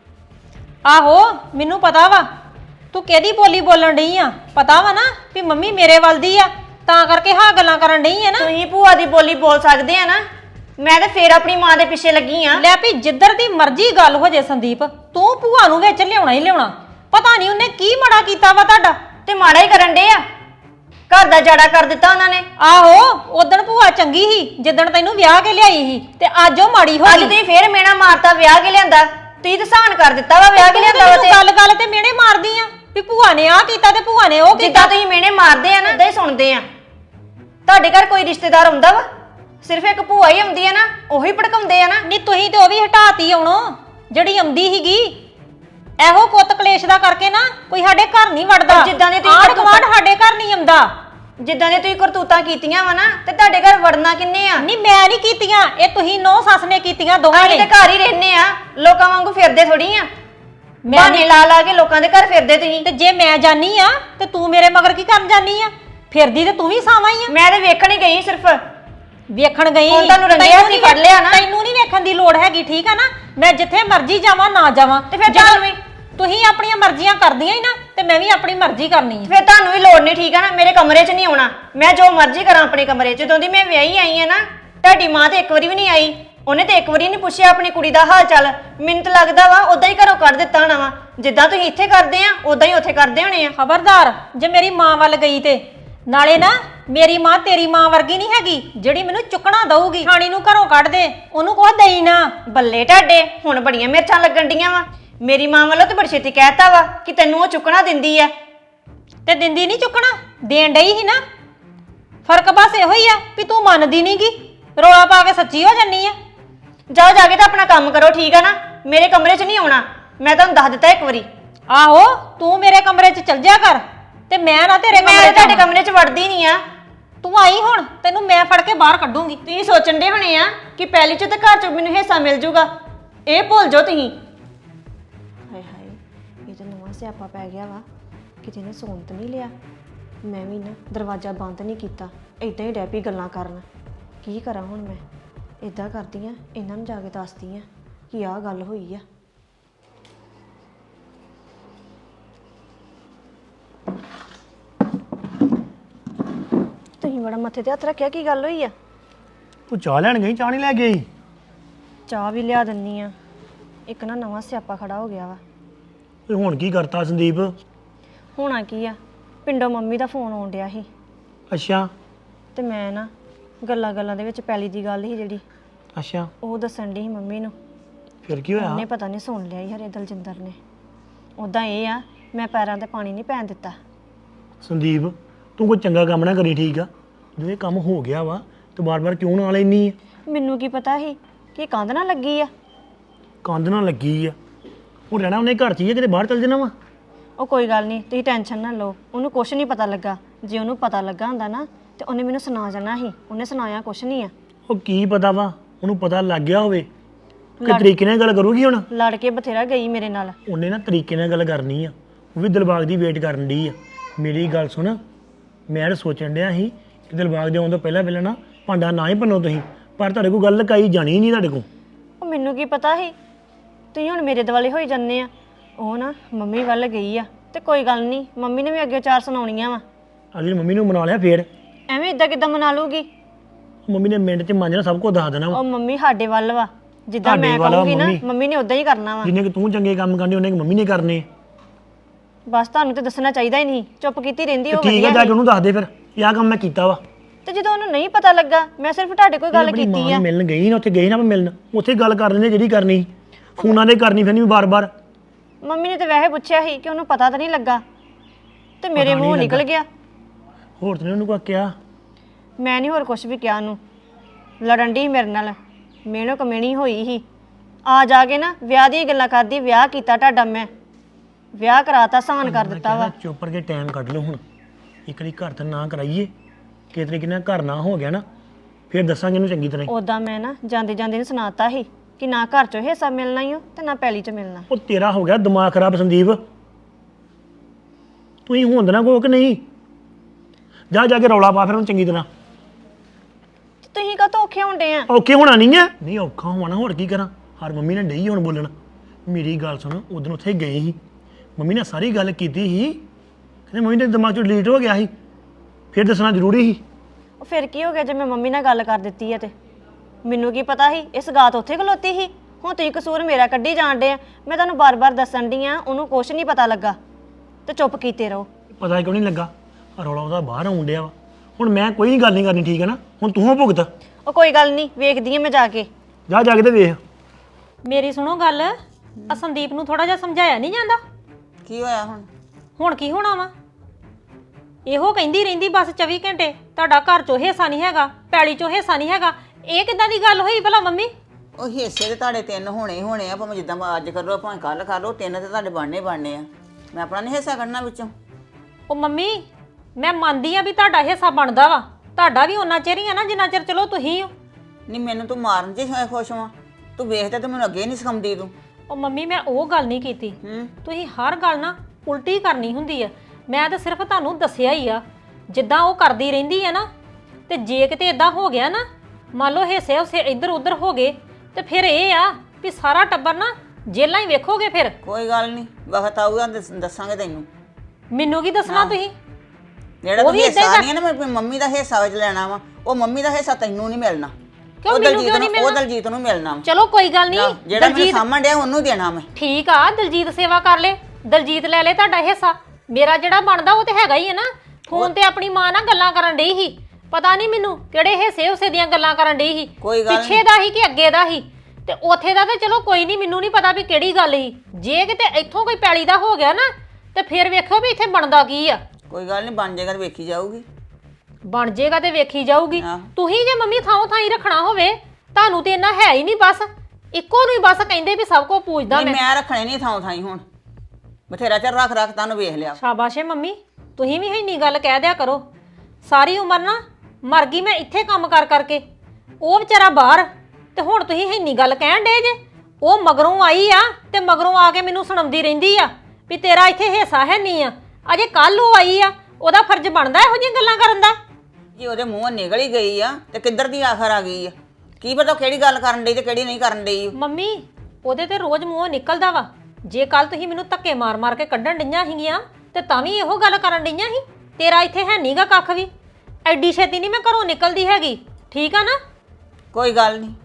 ਆਹੋ ਮੈਨੂੰ ਪਤਾ ਵਾ ਤੂੰ ਕਿਹਦੀ ਬੋਲੀ ਬੋਲਣ ਡਈ ਆ ਪਤਾ ਵਾ ਨਾ ਵੀ ਮੰਮੀ ਮੇਰੇ ਵੱਲ ਦੀ ਆ ਤਾਂ ਕਰਕੇ ਹਾਂ ਗੱਲਾਂ ਕਰਨ ਡਈ ਆ ਨਾ
ਤੁਸੀਂ ਭੂਆ ਦੀ ਬੋਲੀ ਬੋਲ ਸਕਦੇ ਆ ਨਾ ਮੈਂ ਤਾਂ ਫੇਰ ਆਪਣੀ ਮਾਂ ਦੇ ਪਿੱਛੇ ਲੱਗੀ ਆ
ਲੈ ਵੀ ਜਿੱਧਰ ਦੀ ਮਰਜ਼ੀ ਗੱਲ ਹੋ ਜੇ ਸੰਦੀਪ ਤੂੰ ਭੂਆ ਨੂੰ ਵਿੱਚ ਲਿਆਉਣਾ ਹੀ ਲਿਆਉਣਾ ਪਤਾ ਨਹੀਂ ਉਹਨੇ ਕੀ ਮਾੜਾ ਕੀਤਾ ਵਾ ਤੁਹਾਡਾ
ਤੇ ਮਾੜਾ ਹੀ ਕਰਨ ਡੇ ਆ ਘਰ ਦਾ ਜਾੜਾ ਕਰ ਦਿੱਤਾ ਉਹਨਾਂ ਨੇ
ਆਹੋ ਉਦਣ ਭੂਆ ਚੰਗੀ ਸੀ ਜਿੱਦਣ ਤੈਨੂੰ ਵਿਆਹ ਕੇ ਲਿਆਈ ਸੀ ਤੇ ਅੱਜ ਉਹ ਮਾੜੀ ਹੋ
ਅੱਜ
ਗਈ
ਤੁਸੀਂ ਫੇਰ ਮੇਣਾ ਮਾਰਤਾ ਵਿਆਹ ਕੇ ਲਿਆਂਦਾ ਤੁਸੀਂ ਤਾਂ ਸਾਨ ਕਰ ਦਿੱਤਾ ਵਾ ਵਿਆਹ ਕੇ ਲਿਆਂਦਾ ਵਾ ਤੇ
ਗੱਲ ਗੱਲ ਤੇ ਮਿਹਣੇ ਮਾਰਦੀ ਆ ਵੀ ਭੂਆ ਨੇ ਆਹ ਕੀਤਾ ਤੇ ਭੂਆ ਨੇ ਉਹ ਕੀਤਾ
ਜਿੱਦਾਂ ਤੁਸੀਂ ਮੇਣੇ ਮਾਰਦੇ ਆ ਨਾ ਉਦਾਂ ਹੀ ਸੁਣਦੇ ਆ ਤੁਹਾਡੇ ਘਰ ਕੋਈ ਰਿਸ਼ਤੇਦਾਰ ਆਉਂਦਾ ਵਾ ਸਿਰਫ ਇੱਕ ਭੂਆ ਹੀ ਆਉਂਦੀ ਆ ਨਾ ਉਹੀ ਭੜਕਾਉਂਦੇ ਆ ਨਾ
ਨਹੀਂ ਤੁਸੀਂ ਤੇ ਉਹ ਵੀ ਹਟਾਤੀ ਆਉਣੋ ਜਿਹੜੀ ਆਉਂਦੀ ਸੀਗੀ ਇਹੋ ਕੁੱਤ ਕਲੇਸ਼ ਦਾ ਕਰਕੇ ਨਾ ਕੋਈ ਸਾਡੇ ਘਰ ਨਹੀਂ ਵੜਦਾ
ਪਰ ਜਿੱਦਾਂ ਦੇ ਤੁਸੀਂ
ਆਂਢ
ਕਰਤੂਤਾਂ-
ਗੁਆਂਢ ਸਾਡੇ ਘਰ ਨਹੀਂ ਆਉਂਦਾ
ਜਿੱਦਾਂ ਦੇ ਤੁਸੀਂ ਕਰਤੂਤਾਂ ਕੀਤੀਆਂ ਵਾ ਨਾ ਤੇ ਤੁਹਾਡੇ ਘਰ ਵੜਨਾ ਕਿੰਨੇ ਆ
ਨਹੀਂ ਮੈਂ ਨਹੀਂ ਕੀਤੀਆਂ ਇਹ ਤੁਸੀਂ ਨੌ ਸੱਸ ਨੇ ਕੀਤੀਆਂ ਦੋਵਾਂ
ਅਸੀਂ
ਨੇ
ਤੇ ਘਰ ਹੀ ਰਹਿੰਦੇ ਆ ਲੋਕਾਂ ਵਾਂਗੂ ਫਿਰਦੇ ਥੋੜੀ ਆ
ਮੈਂ
ਬਹਾਨੇ ਲਾ ਲਾ ਕੇ ਲੋਕਾਂ ਦੇ ਘਰ ਫਿਰਦੇ ਤੁਸੀਂ
ਤੇ ਜੇ ਮੈਂ ਜਾਨੀ ਆ ਤੇ ਤੂੰ ਮੇਰੇ ਮਗਰ ਕੀ ਕਰਨ ਜਾਨੀ ਆ ਫਿਰਦੀ ਤੇ ਤੂੰ ਵੀ ਸਾਵਾਂ ਹੀ ਆ
ਮੈਂ ਤੇ ਵੇਖਣ ਹੀ ਗਈ ਸਿਰਫ
ਵੇਖਣ ਗਈ
ਹੁਣ ਤੁਹਾਨੂੰ ਰੰਗੇ
ਤੈਨੂੰ
ਹੱਥੀਂ
ਨੀ
ਫੜ ਲਿਆ ਨਾ।
ਤੈਨੂੰ ਨਹੀਂ ਵੇਖਣ ਦੀ ਲੋੜ ਹੈਗੀ ਠੀਕ ਆ ਨਾ ਮੈਂ ਜਿੱਥੇ ਮਰਜ਼ੀ ਜਾਵਾਂ ਨਾ ਜਾਵਾਂ
ਤੇ ਫਿਰ
ਜਦੋਂ
ਤੁਹਾਨੂੰ ਵੀ
ਤੁਸੀਂ ਆਪਣੀਆਂ ਮਰਜ਼ੀਆਂ ਕਰਦੀਆਂ ਹੀ ਨਾ ਤੇ ਮੈਂ ਵੀ ਆਪਣੀ ਮਰਜ਼ੀ ਕਰਨੀ ਆ
ਫਿਰ ਤੁਹਾਨੂੰ ਵੀ ਲੋੜ ਨਹੀਂ ਠੀਕ ਆ ਨਾ ਮੇਰੇ ਕਮਰੇ 'ਚ ਨਹੀਂ ਆਉਣਾ ਮੈਂ ਜੋ ਮਰਜ਼ੀ ਕਰਾਂ ਆਪਣੇ ਕਮਰੇ 'ਚ ਜਦੋਂ ਦੀ ਮੈਂ ਵਿਆਹੀ ਆਈ ਆ ਨਾ ਤੁਹਾਡੀ ਮਾਂ ਤੇ ਇੱਕ ਵਾਰੀ ਵੀ ਨਹੀਂ ਆਈ ਉਹਨੇ ਤੇ ਇੱਕ ਵਾਰੀ ਨਹੀਂ ਪੁੱਛਿਆ ਆਪਣੀ ਕੁੜੀ ਦਾ ਹਾਲ ਚਾਲ ਮੈਨੂੰ ਤਾਂ ਲੱਗਦਾ ਵਾ ਉਦਾਂ ਹੀ ਘਰੋਂ ਕੱਢ ਦਿੱਤਾ ਹੋਣਾ ਵਾ ਜਿੱਦਾਂ ਤੁਸੀਂ ਇੱਥੇ ਕਰਦੇ ਆ ਉਦਾਂ ਹੀ ਉੱਥੇ ਕਰਦੇ ਹੋਣੇ ਆ
ਖਬਰਦਾਰ ਜੇ ਮੇਰੀ ਮਾਂ ਵੱਲ ਗਈ ਤੇ ਨਾਲੇ ਨਾ ਮੇਰੀ ਮਾਂ ਤੇਰੀ ਮਾਂ ਵਰਗੀ ਨਹੀਂ ਹੈਗੀ ਜਿਹੜੀ ਮੈਨੂੰ ਚੁੱਕਣਾ ਦਊਗੀ ਖਾਣੀ ਨੂੰ ਘਰੋਂ ਕੱਢ ਦੇ ਉਹਨੂੰ ਕੁਛ ਦੇਈ ਨਾ
ਬੱਲੇ ਤੁਹਾਡੇ ਹੁਣ ਬੜੀਆਂ ਮਿਰਚਾਂ ਲੱਗਣ ਡੀਆਂ ਵਾ ਮੇਰੀ ਮਾਂ ਵੱਲੋਂ ਤੇ ਬੜੀ ਛੇਤੀ ਕਹਿਤਾ ਵਾ ਕਿ ਤੈਨੂੰ ਉਹ ਚੁੱਕਣਾ ਦਿੰਦੀ ਆ
ਤੇ ਦਿੰਦੀ ਨਹੀਂ ਚੁੱਕਣਾ ਦੇਣ ਡਈ ਸੀ ਨਾ ਫਰਕ ਬਸ ਇਹੋ ਹੀ ਆ ਵੀ ਤੂੰ ਮੰਨਦੀ ਨਹੀਂਗੀ ਰੋਲਾ ਪਾ ਕੇ ਸੱਚੀ ਹੋ ਜੰਨੀ ਆ
ਜਾਓ ਜਾ ਕੇ ਤਾਂ ਆਪਣਾ ਕੰਮ ਕਰੋ ਠੀਕ ਆ ਨਾ ਮੇਰੇ ਕਮਰੇ 'ਚ ਨਹੀਂ ਆਉਣਾ ਮੈਂ ਤੁਹਾਨੂੰ ਦੱਸ ਦਿੱਤਾ ਇੱਕ ਵਾਰੀ
ਆਹੋ ਤੂੰ ਮੇਰੇ ਕਮਰੇ 'ਚ ਚਲ ਜਾ ਕਰ ਤੇ ਮੈਂ ਨਾ ਤੇਰੇ
ਮੈਂ
ਕਮਰੇ 'ਚ
ਤੁਹਾਡੇ ਕਮਰੇ 'ਚ ਵੜਦੀ ਨਹੀਂ ਆ
ਤੂੰ ਆਈ ਹੁਣ ਤੈਨੂੰ ਮੈਂ ਫੜ ਕੇ ਬਾਹਰ ਕੱਢੂੰਗੀ
ਤੁਸੀਂ ਸੋਚਣ ਦੇ ਹੋਣੇ ਆ ਕਿ ਪਹਿਲੀ 'ਚ ਤਾਂ ਘਰ 'ਚ ਮੈਨੂੰ ਹਿੱਸਾ ਮਿਲ ਜੂਗਾ ਇਹ ਭੁੱਲ ਜਾਓ ਤੁਸੀਂ ਹਾਏ ਹਾਏ ਇਹ ਤਾਂ ਨਵਾਂ ਸਿਆਪਾ ਪੈ ਗਿਆ ਵਾ ਕਿਤੇ ਨੇ ਸੌਣ ਤਾਂ ਨਹੀਂ ਲਿਆ ਮੈਂ ਵੀ ਨਾ ਦਰਵਾਜ਼ਾ ਬੰਦ ਨਹੀਂ ਕੀਤਾ ਇਦਾਂ ਹੀ ਡੈਪੀ ਗੱਲਾਂ ਕਰਨ ਕੀ ਕਰਾਂ ਹੁਣ ਮੈਂ ਇਦਾਂ ਕਰਦੀ ਆ ਇਹਨਾਂ ਨੂੰ ਜਾ ਕੇ ਦੱਸਦੀ ਆ ਕਿ ਆਹ ਗੱਲ ਹੋਈ ਆ ਤੁਸੀਂ ਬੜਾ ਮੱਥੇ ਤੇ ਹੱਥ ਰੱਖਿਆ ਕੀ ਗੱਲ ਹੋਈ ਆ
ਤੂੰ ਚਾਹ ਲੈਣ ਗਈ ਚਾਹ ਨਹੀਂ ਲੈ ਗਈ
ਚਾਹ ਵੀ ਲਿਆ ਦਿੰਨੀ ਆ ਇੱਕ ਨਾ ਨਵਾਂ ਸਿਆਪਾ ਖੜਾ ਹੋ ਗਿਆ ਵਾ
ਤੇ ਹੁਣ ਕੀ ਕਰਤਾ ਸੰਦੀਪ
ਹੋਣਾ ਕੀ ਆ ਪਿੰਡੋਂ ਮੰਮੀ ਦਾ ਫੋਨ ਆਉਣ ਡਿਆ ਸੀ
ਅੱਛਾ
ਤੇ ਮੈਂ ਨਾ ਗੱਲਾਂ ਗੱਲਾਂ ਦੇ ਵਿੱਚ ਪੈਲੀ ਦੀ ਗੱਲ ਸੀ ਜਿਹੜੀ
ਅੱਛਾ
ਉਹ ਦੱਸਣ ਦੀ ਸੀ ਮੰਮੀ ਨੂੰ
ਫਿਰ ਕੀ ਹੋਇਆ
ਉਹਨੇ ਪਤਾ ਨਹੀਂ ਸੁਣ ਲਿਆ ਹੀ ਹਰੇ ਦਲਜਿੰਦਰ ਨੇ ਉਦਾਂ ਇਹ ਆ ਮੈਂ ਪੈਰਾਂ ਤੇ ਪਾਣੀ ਨਹੀਂ ਪੈਣ ਦਿੱਤਾ
ਸੰਦੀਪ ਤੂੰ ਕੋਈ ਚੰਗਾ ਕੰਮ ਨਾ ਕਰੀ ਠੀਕ ਆ ਜੇ ਇਹ ਕੰਮ ਹੋ ਗਿਆ ਵਾ ਤੂੰ ਬਾਰ-ਬਾਰ ਕਿਉਂ ਨਾ ਲੈਣੀ ਆ
ਮੈਨੂੰ ਕੀ ਪਤਾ ਸੀ ਕਿ ਕੰਧ ਨਾ ਲੱਗੀ ਆ
ਕੰਧ ਨਾਲ ਲੱਗੀ ਆ ਉਹ ਰਹਿਣਾ ਉਹਨੇ ਘਰ ਚ ਹੀ ਆ ਕਿਤੇ ਬਾਹਰ ਚੱਲ ਜਾਣਾ ਵਾ
ਉਹ ਕੋਈ ਗੱਲ ਨਹੀਂ ਤੁਸੀਂ ਟੈਨਸ਼ਨ ਨਾ ਲਓ ਉਹਨੂੰ ਕੁਝ ਨਹੀਂ ਪਤਾ ਲੱਗਾ ਜੇ ਉਹਨੂੰ ਪਤਾ ਲੱਗਾ ਹੁੰਦਾ ਨਾ ਤੇ ਉਹਨੇ ਮੈਨੂੰ ਸੁਣਾ ਜਾਣਾ ਸੀ ਉਹਨੇ ਸੁਣਾਇਆ ਕੁਝ ਨਹੀਂ ਆ
ਉਹ ਕੀ ਪਤਾ ਵਾ ਉਹਨੂੰ ਪਤਾ ਲੱਗ ਗਿਆ ਹੋਵੇ ਕਿ ਤਰੀਕੇ ਨਾਲ ਗੱਲ ਕਰੂਗੀ ਹੁਣ
ਲੜ ਕੇ ਬਥੇਰਾ ਗਈ ਮੇਰੇ ਨਾਲ
ਉਹਨੇ ਨਾ ਤਰੀਕੇ ਨਾਲ ਗੱਲ ਕਰਨੀ ਆ ਉਹ ਵੀ ਦਿਲਬਾਗ ਦੀ ਵੇਟ ਕਰਨ ਦੀ ਆ ਮੇਰੀ ਗੱਲ ਸੁਣ ਮੈਂ ਤਾਂ ਸੋਚਣ ਡਿਆ ਸੀ ਕਿ ਦਿਲਬਾਗ ਦੇ ਆਉਣ ਤੋਂ ਪਹਿਲਾਂ ਪਹਿਲਾਂ ਨਾ ਭਾਂਡਾ ਨਾ ਹੀ ਭੰਨੋ ਤੁਸੀਂ ਪਰ ਤੁਹਾਡੇ ਕੋਲ ਗੱਲ ਲਕਾਈ ਜਾਣੀ ਨਹੀਂ ਤੁਹਾਡੇ ਕੋਲ
ਉਹ ਮੈਨੂੰ ਕੀ ਪਤਾ ਸੀ ਤੁਸੀਂ ਹੁਣ ਮੇਰੇ ਦੁਆਲੇ ਹੋਈ ਜਾਂਦੇ ਆ ਉਹ ਨਾ ਮੰਮੀ ਵੱਲ ਗਈ ਆ ਤੇ ਕੋਈ ਗੱਲ ਨਹੀਂ ਮੰਮੀ ਨੇ ਵੀ ਅੱਗੇ ਚਾਰ ਸੁਣਾਉਣੀਆਂ ਵਾ
ਅਗਲੀ ਮੰਮੀ ਨੂੰ ਮਨਾ ਲਿਆ ਫੇਰ
ਐਵੇਂ ਇਦਾਂ ਕਿਦਾਂ ਮਨਾ ਲੂਗੀ
ਮੰਮੀ ਨੇ ਮਿੰਟ ਚ ਮੰਜਣਾ ਸਭ ਕੁਝ ਦੱਸ ਦੇਣਾ ਵਾ
ਉਹ ਮੰਮੀ ਸਾਡੇ ਵੱਲ ਵਾ ਜਿੱਦਾਂ
ਤੁਹਾਡੇ
ਮੈਂ
ਵਾਲਾ
ਕਹੂੰਗੀ ਨਾ
ਮੰਮੀ।
ਮੰਮੀ ਨੇ ਉਦਾਂ ਹੀ ਕਰਨਾ ਵਾ
ਜਿੰਨੇ ਕਿ ਤੂੰ ਚੰਗੇ ਕੰਮ ਕਰਨੇ ਉਹਨੇ ਕਿ ਮੰਮੀ ਨੇ ਕਰਨੇ।
ਬਸ ਤੁਹਾਨੂੰ ਤੇ ਦੱਸਣਾ ਚਾਹੀਦਾ ਹੀ ਨਹੀਂ, ਚੁੱਪ ਕੀਤੀ ਰਹਿੰਦੀ
ਤੇ
ਉਹ
ਠੀਕ
ਵਧੀਆ
ਆ ਜਾ
ਸੀ।
ਕੇ ਉਹਨੂੰ ਦੱਸ ਦੇ ਫਿਰ ਇਹ ਆਹ ਕੰਮ ਮੈਂ ਕੀਤਾ ਵਾ।
ਤੇ ਜਦੋਂ ਉਹਨੂੰ ਨਹੀਂ ਪਤਾ ਲੱਗਾ, ਮੈਂ ਸਿਰਫ ਤੁਹਾਡੇ ਕੋਈ ਗੱਲ
ਆਪਣੀ ਮਾਂ
ਕੀਤੀ
ਨੂੰ
ਆ।
ਮਿਲਣ ਗਈ ਨਾ, ਉੱਥੇ ਗਈ ਨਾ ਆਪਾਂ ਮਿਲਣ, ਉੱਥੇ ਗੱਲ ਕਰ ਲੈਂਦੇ ਜਿਹੜੀ ਕਰਨੀ ਸੀ। ਫੋਨਾਂ ਦੇ ਕਰਨੀ ਫਿਰ ਨਹੀਂ ਬਾਰ-ਬਾਰ।
ਮੰਮੀ ਨੇ ਤੇ ਵੈਸੇ ਪੁੱਛਿਆ ਸੀ ਕਿ ਉਹਨੂੰ ਪਤਾ ਤਾਂ ਨਹੀਂ ਲੱਗਾ, ਤੇ ਮੇਰੇ
ਨਹੀਂ
ਮੂੰਹ
ਲੱਗਾ।
ਨਿਕਲ ਗਿਆ।
ਹੋਰ ਤੇ ਨੀ ਉਹਨੂੰ ਕੋਈ ਕਿਹਾ।
ਮੈਂ ਨਹੀਂ ਹੋਰ ਕੁਝ ਵੀ ਕਿਹਾ ਉਹਨੂੰ, ਲੜਨ ਦੀ ਮੇਰੇ ਨਾਲ, ਮੇਨੋ ਕਮੇਣੀ ਹੋਈ ਸੀ। ਆ ਜਾ ਕੇ ਨਾ ਵਿਆਹ ਦੀਆਂ ਗੱਲਾਂ ਕਰਦੀ, ਵਿਆਹ ਕੀਤਾ ਤੁਹਾਡਾ ਮੈਂ, ਵਿਆਹ ਕਰਾਤਾ, ਸਾਨ ਕਰ ਦਿੱਤਾ ਵਾ।
ਚੁੱਪ ਕਰਕੇ ਟਾਈਮ ਕੱਢ ਲਓ ਹੁਣ, ਇੱਕ ਵਾਰੀ ਘਰ ਤੇ ਨਾ ਕਰਾਈਏ, ਕਿਸੇ ਤਰੀਕੇ ਨਾਲ ਘਰ ਨਾ ਹੋ ਗਿਆ ਨਾ ਫਿਰ ਦੱਸਾਂਗੇ ਇਹਨੂੰ ਚੰਗੀ ਤਰ੍ਹਾਂ।
ਉਦਾਂ ਮੈਂ ਨਾ ਜਾਂਦੇ ਜਾਂਦੇ ਨੂੰ ਸੁਣਾਤਾ ਸੀ ਕਿ ਨਾ ਘਰ ਚੋਂ ਹਿੱਸਾ ਮਿਲਣਾ ਹੀ ਹੋ ਤੇ ਨਾ ਪੈਲੀ ਚ ਮਿਲਣਾ।
ਉਹ ਤੇਰਾ ਹੋ ਗਿਆ ਦਿਮਾਗ ਖਰਾਬ ਸੰਦੀਪ, ਤੂੰ ਹੀ ਹੁੰਦ ਨਾ ਕੋ ਕਿ ਨਹੀਂ। ਜਾ ਜਾ ਕੇ ਰੌਲਾ ਪਾ ਫਿਰ ਉਹਨੂੰ ਚੰਗੀ ਤਰ੍ਹਾਂ।
ਤੇ ਤੁਸੀਂ ਕਾਹਤੋਂ ਔਖੇ ਹੁੰਦੇ ਆ?
ਔਖੇ ਹੋਣਾ ਨਹੀਂ ਹੈ, ਨਹੀਂ ਔਖਾ ਹੋਣਾ ਹੋਰ ਕੀ ਕਰਾਂ। ਹਰ ਮੰਮੀ ਨੇ ਡਈ ਹੁਣ ਬੋਲਣ। ਮੇਰੀ ਗੱਲ ਸੁਣ, ਉਦੋਂ ਉੱਥੇ ਗਏ ਸੀ, ਮੰਮੀ ਨੇ ਸਾਰੀ ਗੱਲ ਕੀਤੀ ਸੀ, ਕਹਿੰਦੇ ਮੰਮੀ ਦੇ ਦਿਮਾਗ ਚੋਂ ਡਿਲੀਟ ਹੋ ਗਿਆ ਸੀ, ਫਿਰ ਦੱਸਣਾ ਜ਼ਰੂਰੀ ਸੀ।
ਉਹ ਫਿਰ ਕੀ ਹੋ ਗਿਆ ਜੇ ਮੈਂ ਮੰਮੀ ਨਾਲ ਗੱਲ ਕਰ ਦਿੱਤੀ ਹੈ ਤੇ? ਮੈਨੂੰ ਕੀ ਪਤਾ ਸੀ ਇਸ ਗਾਤ ਉੱਥੇ ਖਲੋਤੀ ਸੀ। ਹੁਣ ਤੁਸੀਂ ਕਸੂਰ ਮੇਰਾ ਕੱਢੀ ਜਾਣਦੇ ਆ। ਮੈਂ ਤੁਹਾਨੂੰ ਬਾਰ-ਬਾਰ ਦੱਸਣ ਦੀ ਆ, ਉਹਨੂੰ ਕੁਛ ਨਹੀਂ ਪਤਾ ਲੱਗਾ ਤੇ ਚੁੱਪ ਕੀਤੇ ਰਹੋ।
ਪਤਾ ਕਿਉਂ ਨਹੀਂ ਲੱਗਾ, ਆਹ ਰੌਲਾ ਉਹਦਾ ਬਾਹਰ ਆਉਣ ਡਿਆ ਵਾ। ਹੁਣ ਮੈਂ ਕੋਈ ਗੱਲ ਨਹੀਂ ਕਰਨੀ, ਠੀਕ ਹੈ ਨਾ। ਹੁਣ ਤੂੰ ਭੁਗਤ।
ਉਹ ਕੋਈ ਗੱਲ ਨਹੀਂ, ਵੇਖਦੀ ਆ ਮੈਂ ਜਾ ਕੇ।
ਜਾ ਜਾ ਕੇ ਤੇ ਵੇਖ।
ਮੇਰੀ ਸੁਣੋ ਗੱਲ, ਆ ਸੰਦੀਪ ਨੂੰ ਥੋੜਾ ਜਿਹਾ ਸਮਝਾਇਆ ਨਹੀਂ ਜਾਂਦਾ?
ਕੀ ਹੋਇਆ ਹੁਣ?
ਹੁਣ ਕੀ ਹੋਣਾ ਵਾ? ਇਹੋ ਕਹਿੰਦੀ ਰਹਿੰਦੀ ਬਸ ਚੌਵੀ ਘੰਟੇ ਤੁਹਾਡਾ ਘਰ ਚੋਂ ਹਿੱਸਾ ਨਹੀਂ ਹੈਗਾ, ਪੈਲੀ ਚੋਂ ਹਿੱਸਾ ਨਹੀਂ ਹੈਗਾ। ਇਹ ਕਿੱਦਾਂ ਦੀ ਗੱਲ ਹੋਈ ਭਲਾ ਮੰਮੀ?
ਉਹ ਹਿੱਸੇ ਤੇ ਤੁਹਾਡੇ ਤਿੰਨ ਹੋਣੇ ਹੀ ਹੋਣੇ ਆ, ਭਾਵੇਂ ਜਿੱਦਾਂ ਅੱਜ ਕਰ ਲਓ ਭਾਵੇਂ ਕੱਲ ਕਰ ਲਓ, ਤਿੰਨ ਤੇ ਤੁਹਾਡੇ ਬਣਨੇ ਬਣਨੇ ਆ। ਮੈਂ ਆਪਣਾ ਨਹੀਂ ਹਿੱਸਾ ਕੱਢਣਾ ਵਿੱਚੋਂ।
ਉਹ ਮੰਮੀ ਮੈਂ ਮੰਨਦੀ ਆ ਵੀ ਤੁਹਾਡਾ ਹਿੱਸਾ ਬਣਦਾ ਵਾ, ਤੁਹਾਡਾ ਵੀ ਉਹਨਾਂ ਚਿਰ ਹੀ ਆ ਨਾ ਜਿੰਨਾ ਚਿਰ ਚਲੋ ਤੁਸੀਂ ਹੋ।
ਨਹੀਂ ਮੈਨੂੰ ਤੂੰ ਮਾਰਨ 'ਚ ਹੀ ਖੁਸ਼ ਵਾਂ, ਤੂੰ ਵੇਖਦਾ ਤੂੰ ਮੈਨੂੰ ਅੱਗੇ ਨਹੀਂ ਸਿਖਾਉਂਦੀ ਤੂੰ।
ਉਹ ਮੰਮੀ ਮੈਂ ਉਹ ਗੱਲ ਨਹੀਂ ਕੀਤੀ,
ਹੂੰ
ਤੁਸੀਂ ਹਰ ਗੱਲ ਨਾ ਉਲਟੀ ਕਰਨੀ ਹੁੰਦੀ ਆ। ਮੈਂ ਤਾਂ ਸਿਰਫ ਤੁਹਾਨੂੰ ਦੱਸਿਆ ਹੀ ਆ ਜਿੱਦਾਂ ਉਹ ਕਰਦੀ ਰਹਿੰਦੀ ਆ ਨਾ। ਤੇ ਜੇ ਕਿਤੇ ਇਦਾਂ ਹੋ ਗਿਆ ਨਾ, ਮੰਨ ਲਓ ਹਿੱਸੇ ਉਸੇ ਇੱਧਰ ਉੱਧਰ ਹੋ ਗਏ, ਤੇ ਫਿਰ ਇਹ ਆ ਵੀ ਸਾਰਾ ਟੱਬਰ ਨਾ ਜੇਲਾਂ ਹੀ ਵੇਖੋਗੇ। ਫਿਰ
ਕੋਈ ਗੱਲ ਨਹੀਂ, ਵਕਤ ਆਊਗਾ ਦੱਸ- ਦੱਸਾਂਗੇ ਤੈਨੂੰ।
ਮੈਨੂੰ ਕੀ ਦੱਸਣਾ ਤੁਸੀਂ?
ਜਿਹੜਾ
ਉਹ
ਤੂੰ
ਵੀ ਏਦਾਂ
ਹਿੱਸਾ
ਹੀ
ਨਹੀਂ ਹੈ ਨਾ, ਮੈਂ ਆਪਣੀ ਮੰਮੀ ਦਾ ਹਿੱਸਾ ਵਿੱਚ ਲੈਣਾ ਵਾ, ਉਹ ਮੰਮੀ ਦਾ ਹਿੱਸਾ ਤੈਨੂੰ ਨਹੀਂ ਮਿਲਣਾ।
ਕਿਉਂ
ਉਹ
ਮੈਨੂੰ
ਦਲਜੀਤ
ਕਿਉਂ ਨਹੀਂ
ਨੂੰ ਉਹ
ਮਿਲਣਾ?
ਦਲਜੀਤ ਨੂੰ ਮਿਲਣਾ ਵਾ।
ਚਲੋ ਕੋਈ ਗੱਲ ਨਹੀਂ,
ਜਿਹੜਾ ਮੈਨੂੰ ਸਾਹਮਣ ਡਿਆ ਉਹਨੂੰ ਦੇਣਾ ਮੈਂ।
ਠੀਕ ਆ, ਦਲਜੀਤ ਸੇਵਾ ਕਰ ਲੈ, ਦਲਜੀਤ ਲੈ ਲੈ ਤੁਹਾਡਾ ਹਿੱਸਾ। ਮੇਰਾ ਜਿਹੜਾ ਬਣਦਾ ਉਹ ਤੇ ਹੈਗਾ ਹੀ ਹੈ ਨਾ। ਫੋਨ ਤੇ ਆਪਣੀ ਮਾਂ ਨਾਲ ਗੱਲਾਂ ਕਰਨ ਡਈ ਸੀ, ਪਤਾ ਨਹੀਂ ਮੈਨੂੰ ਕਿਹੜੇ ਹਿੱਸੇ ਉਸੇ ਦੀਆਂ ਗੱਲਾਂ ਕਰਨ ਡਈ ਸੀ,
ਕੋਈ ਗੱਲ
ਪਿੱਛੇ ਦਾ ਹੀ ਕਿ ਅੱਗੇ ਦਾ ਹੀ। ਤੇ ਉਥੇ ਦਾ ਤੇ ਚਲੋ ਕੋਈ ਨਹੀਂ, ਮੈਨੂੰ ਨਹੀਂ ਪਤਾ ਵੀ ਕਿਹੜੀ ਗੱਲ ਸੀ। ਜੇ ਕਿਤੇ ਇੱਥੋਂ ਕੋਈ ਪੈਲੀ ਦਾ ਹੋ ਗਿਆ ਨਾ, ਤੇ ਫਿਰ ਵੇਖੋ ਵੀ ਇੱਥੇ ਬਣਦਾ ਕੀ ਆ।
ਕੋਈ ਗੱਲ ਨਹੀਂ, ਬਣ ਜਾਏਗਾ ਤੇ ਵੇਖੀ ਜਾਊਗੀ।
ਬਣ ਜਾਏਗਾ ਤੇ ਵੇਖੀ ਜਾਊਗੀ।
ਹਾਂ।
ਤੁਸੀਂ ਜੇ ਮੰਮੀ ਥਾਂ ਥਾਈ ਰੱਖਣਾ ਹੋਵੇ, ਤੁਹਾਨੂੰ ਤੇ ਇੰਨਾ ਹੈ ਹੀ ਨਹੀਂ। ਬਸ ਇੱਕੋ ਨੂੰ ਹੀ ਬਸ ਕਹਿੰਦੇ ਵੀ ਸਭ ਕੋ ਪੂਜਦਾ
ਨਹੀਂ
ਮੈਂ।
ਮੈਂ ਰੱਖਣੇ ਨਹੀਂ ਥਾਂ ਥਾਈ, ਹੁਣ ਬਥੇਰਾ ਚਿਰ ਰੱਖ ਰੱਖ ਤੁਹਾਨੂੰ ਵੇਖ ਲਿਆ।
ਸ਼ਾਬਾਸ਼ ਏ ਮੰਮੀ, ਤੁਸੀਂ ਵੀ ਇੰਨੀ ਗੱਲ ਕਹਿ ਦਿਆ ਕਰੋ। ਸਾਰੀ ਉਮਰ ਨਾ ਮਰ ਗਈ ਮੈਂ ਇੱਥੇ ਕੰਮ ਕਰ ਕਰਕੇ, ਉਹ ਵਿਚਾਰਾ ਬਾਹਰ, ਤੇ ਹੁਣ ਤੁਸੀਂ ਇੰਨੀ ਗੱਲ ਕਹਿਣ ਡੇ ਜੇ। ਉਹ ਮਗਰੋਂ ਆਈ ਆ ਤੇ ਮਗਰੋਂ ਆ ਕੇ ਮੈਨੂੰ ਸੁਣਾਉਂਦੀ ਰਹਿੰਦੀ ਆ ਵੀ ਤੇਰਾ ਇੱਥੇ ਹਿੱਸਾ ਹੈ ਨਹੀਂ ਆ। ਅਜੇ ਕੱਲ ਉਹ ਆਈ ਆ, ਉਹਦਾ ਫਰਜ਼ ਬਣਦਾ ਇਹੋ ਜਿਹੀਆਂ ਗੱਲਾਂ ਕਰਨ ਦਾ।
ਜੇ ਉਹਦੇ ਮੂੰਹੋਂ ਨਿਕਲ ਹੀ ਗਈ ਆ ਤੇ ਕਿੱਧਰ ਦੀ ਆਖਰ ਆ ਗਈ ਆ? ਕੀ ਪਤਾ ਕਿਹੜੀ ਗੱਲ ਕਰਨ ਡਈ ਤੇ ਕਿਹੜੀ ਨਹੀਂ ਕਰਨ ਡਈ।
ਮੰਮੀ ਉਹਦੇ ਤੇ ਰੋਜ਼ ਮੂੰਹੋਂ ਨਿਕਲਦਾ ਵਾ। ਜੇ ਕੱਲ ਤੁਸੀਂ ਮੈਨੂੰ ਧੱਕੇ ਮਾਰ ਮਾਰ ਕੇ ਕੱਢਣ ਡਈਆਂ ਸੀਗੀਆਂ ਤੇ ਤਾਂ ਵੀ ਇਹੋ ਗੱਲ ਕਰਨ ਡਈਆਂ ਸੀ, ਤੇਰਾ ਇੱਥੇ ਹੈ ਨਹੀਂਗਾ ਕੱਖ ਵੀ। ਐਡੀ ਛੇਤੀ ਨਹੀਂ ਮੈਂ ਘਰੋਂ ਨਿਕਲਦੀ ਹੈਗੀ, ਠੀਕ ਆ ਨਾ?
ਕੋਈ ਗੱਲ ਨਹੀਂ,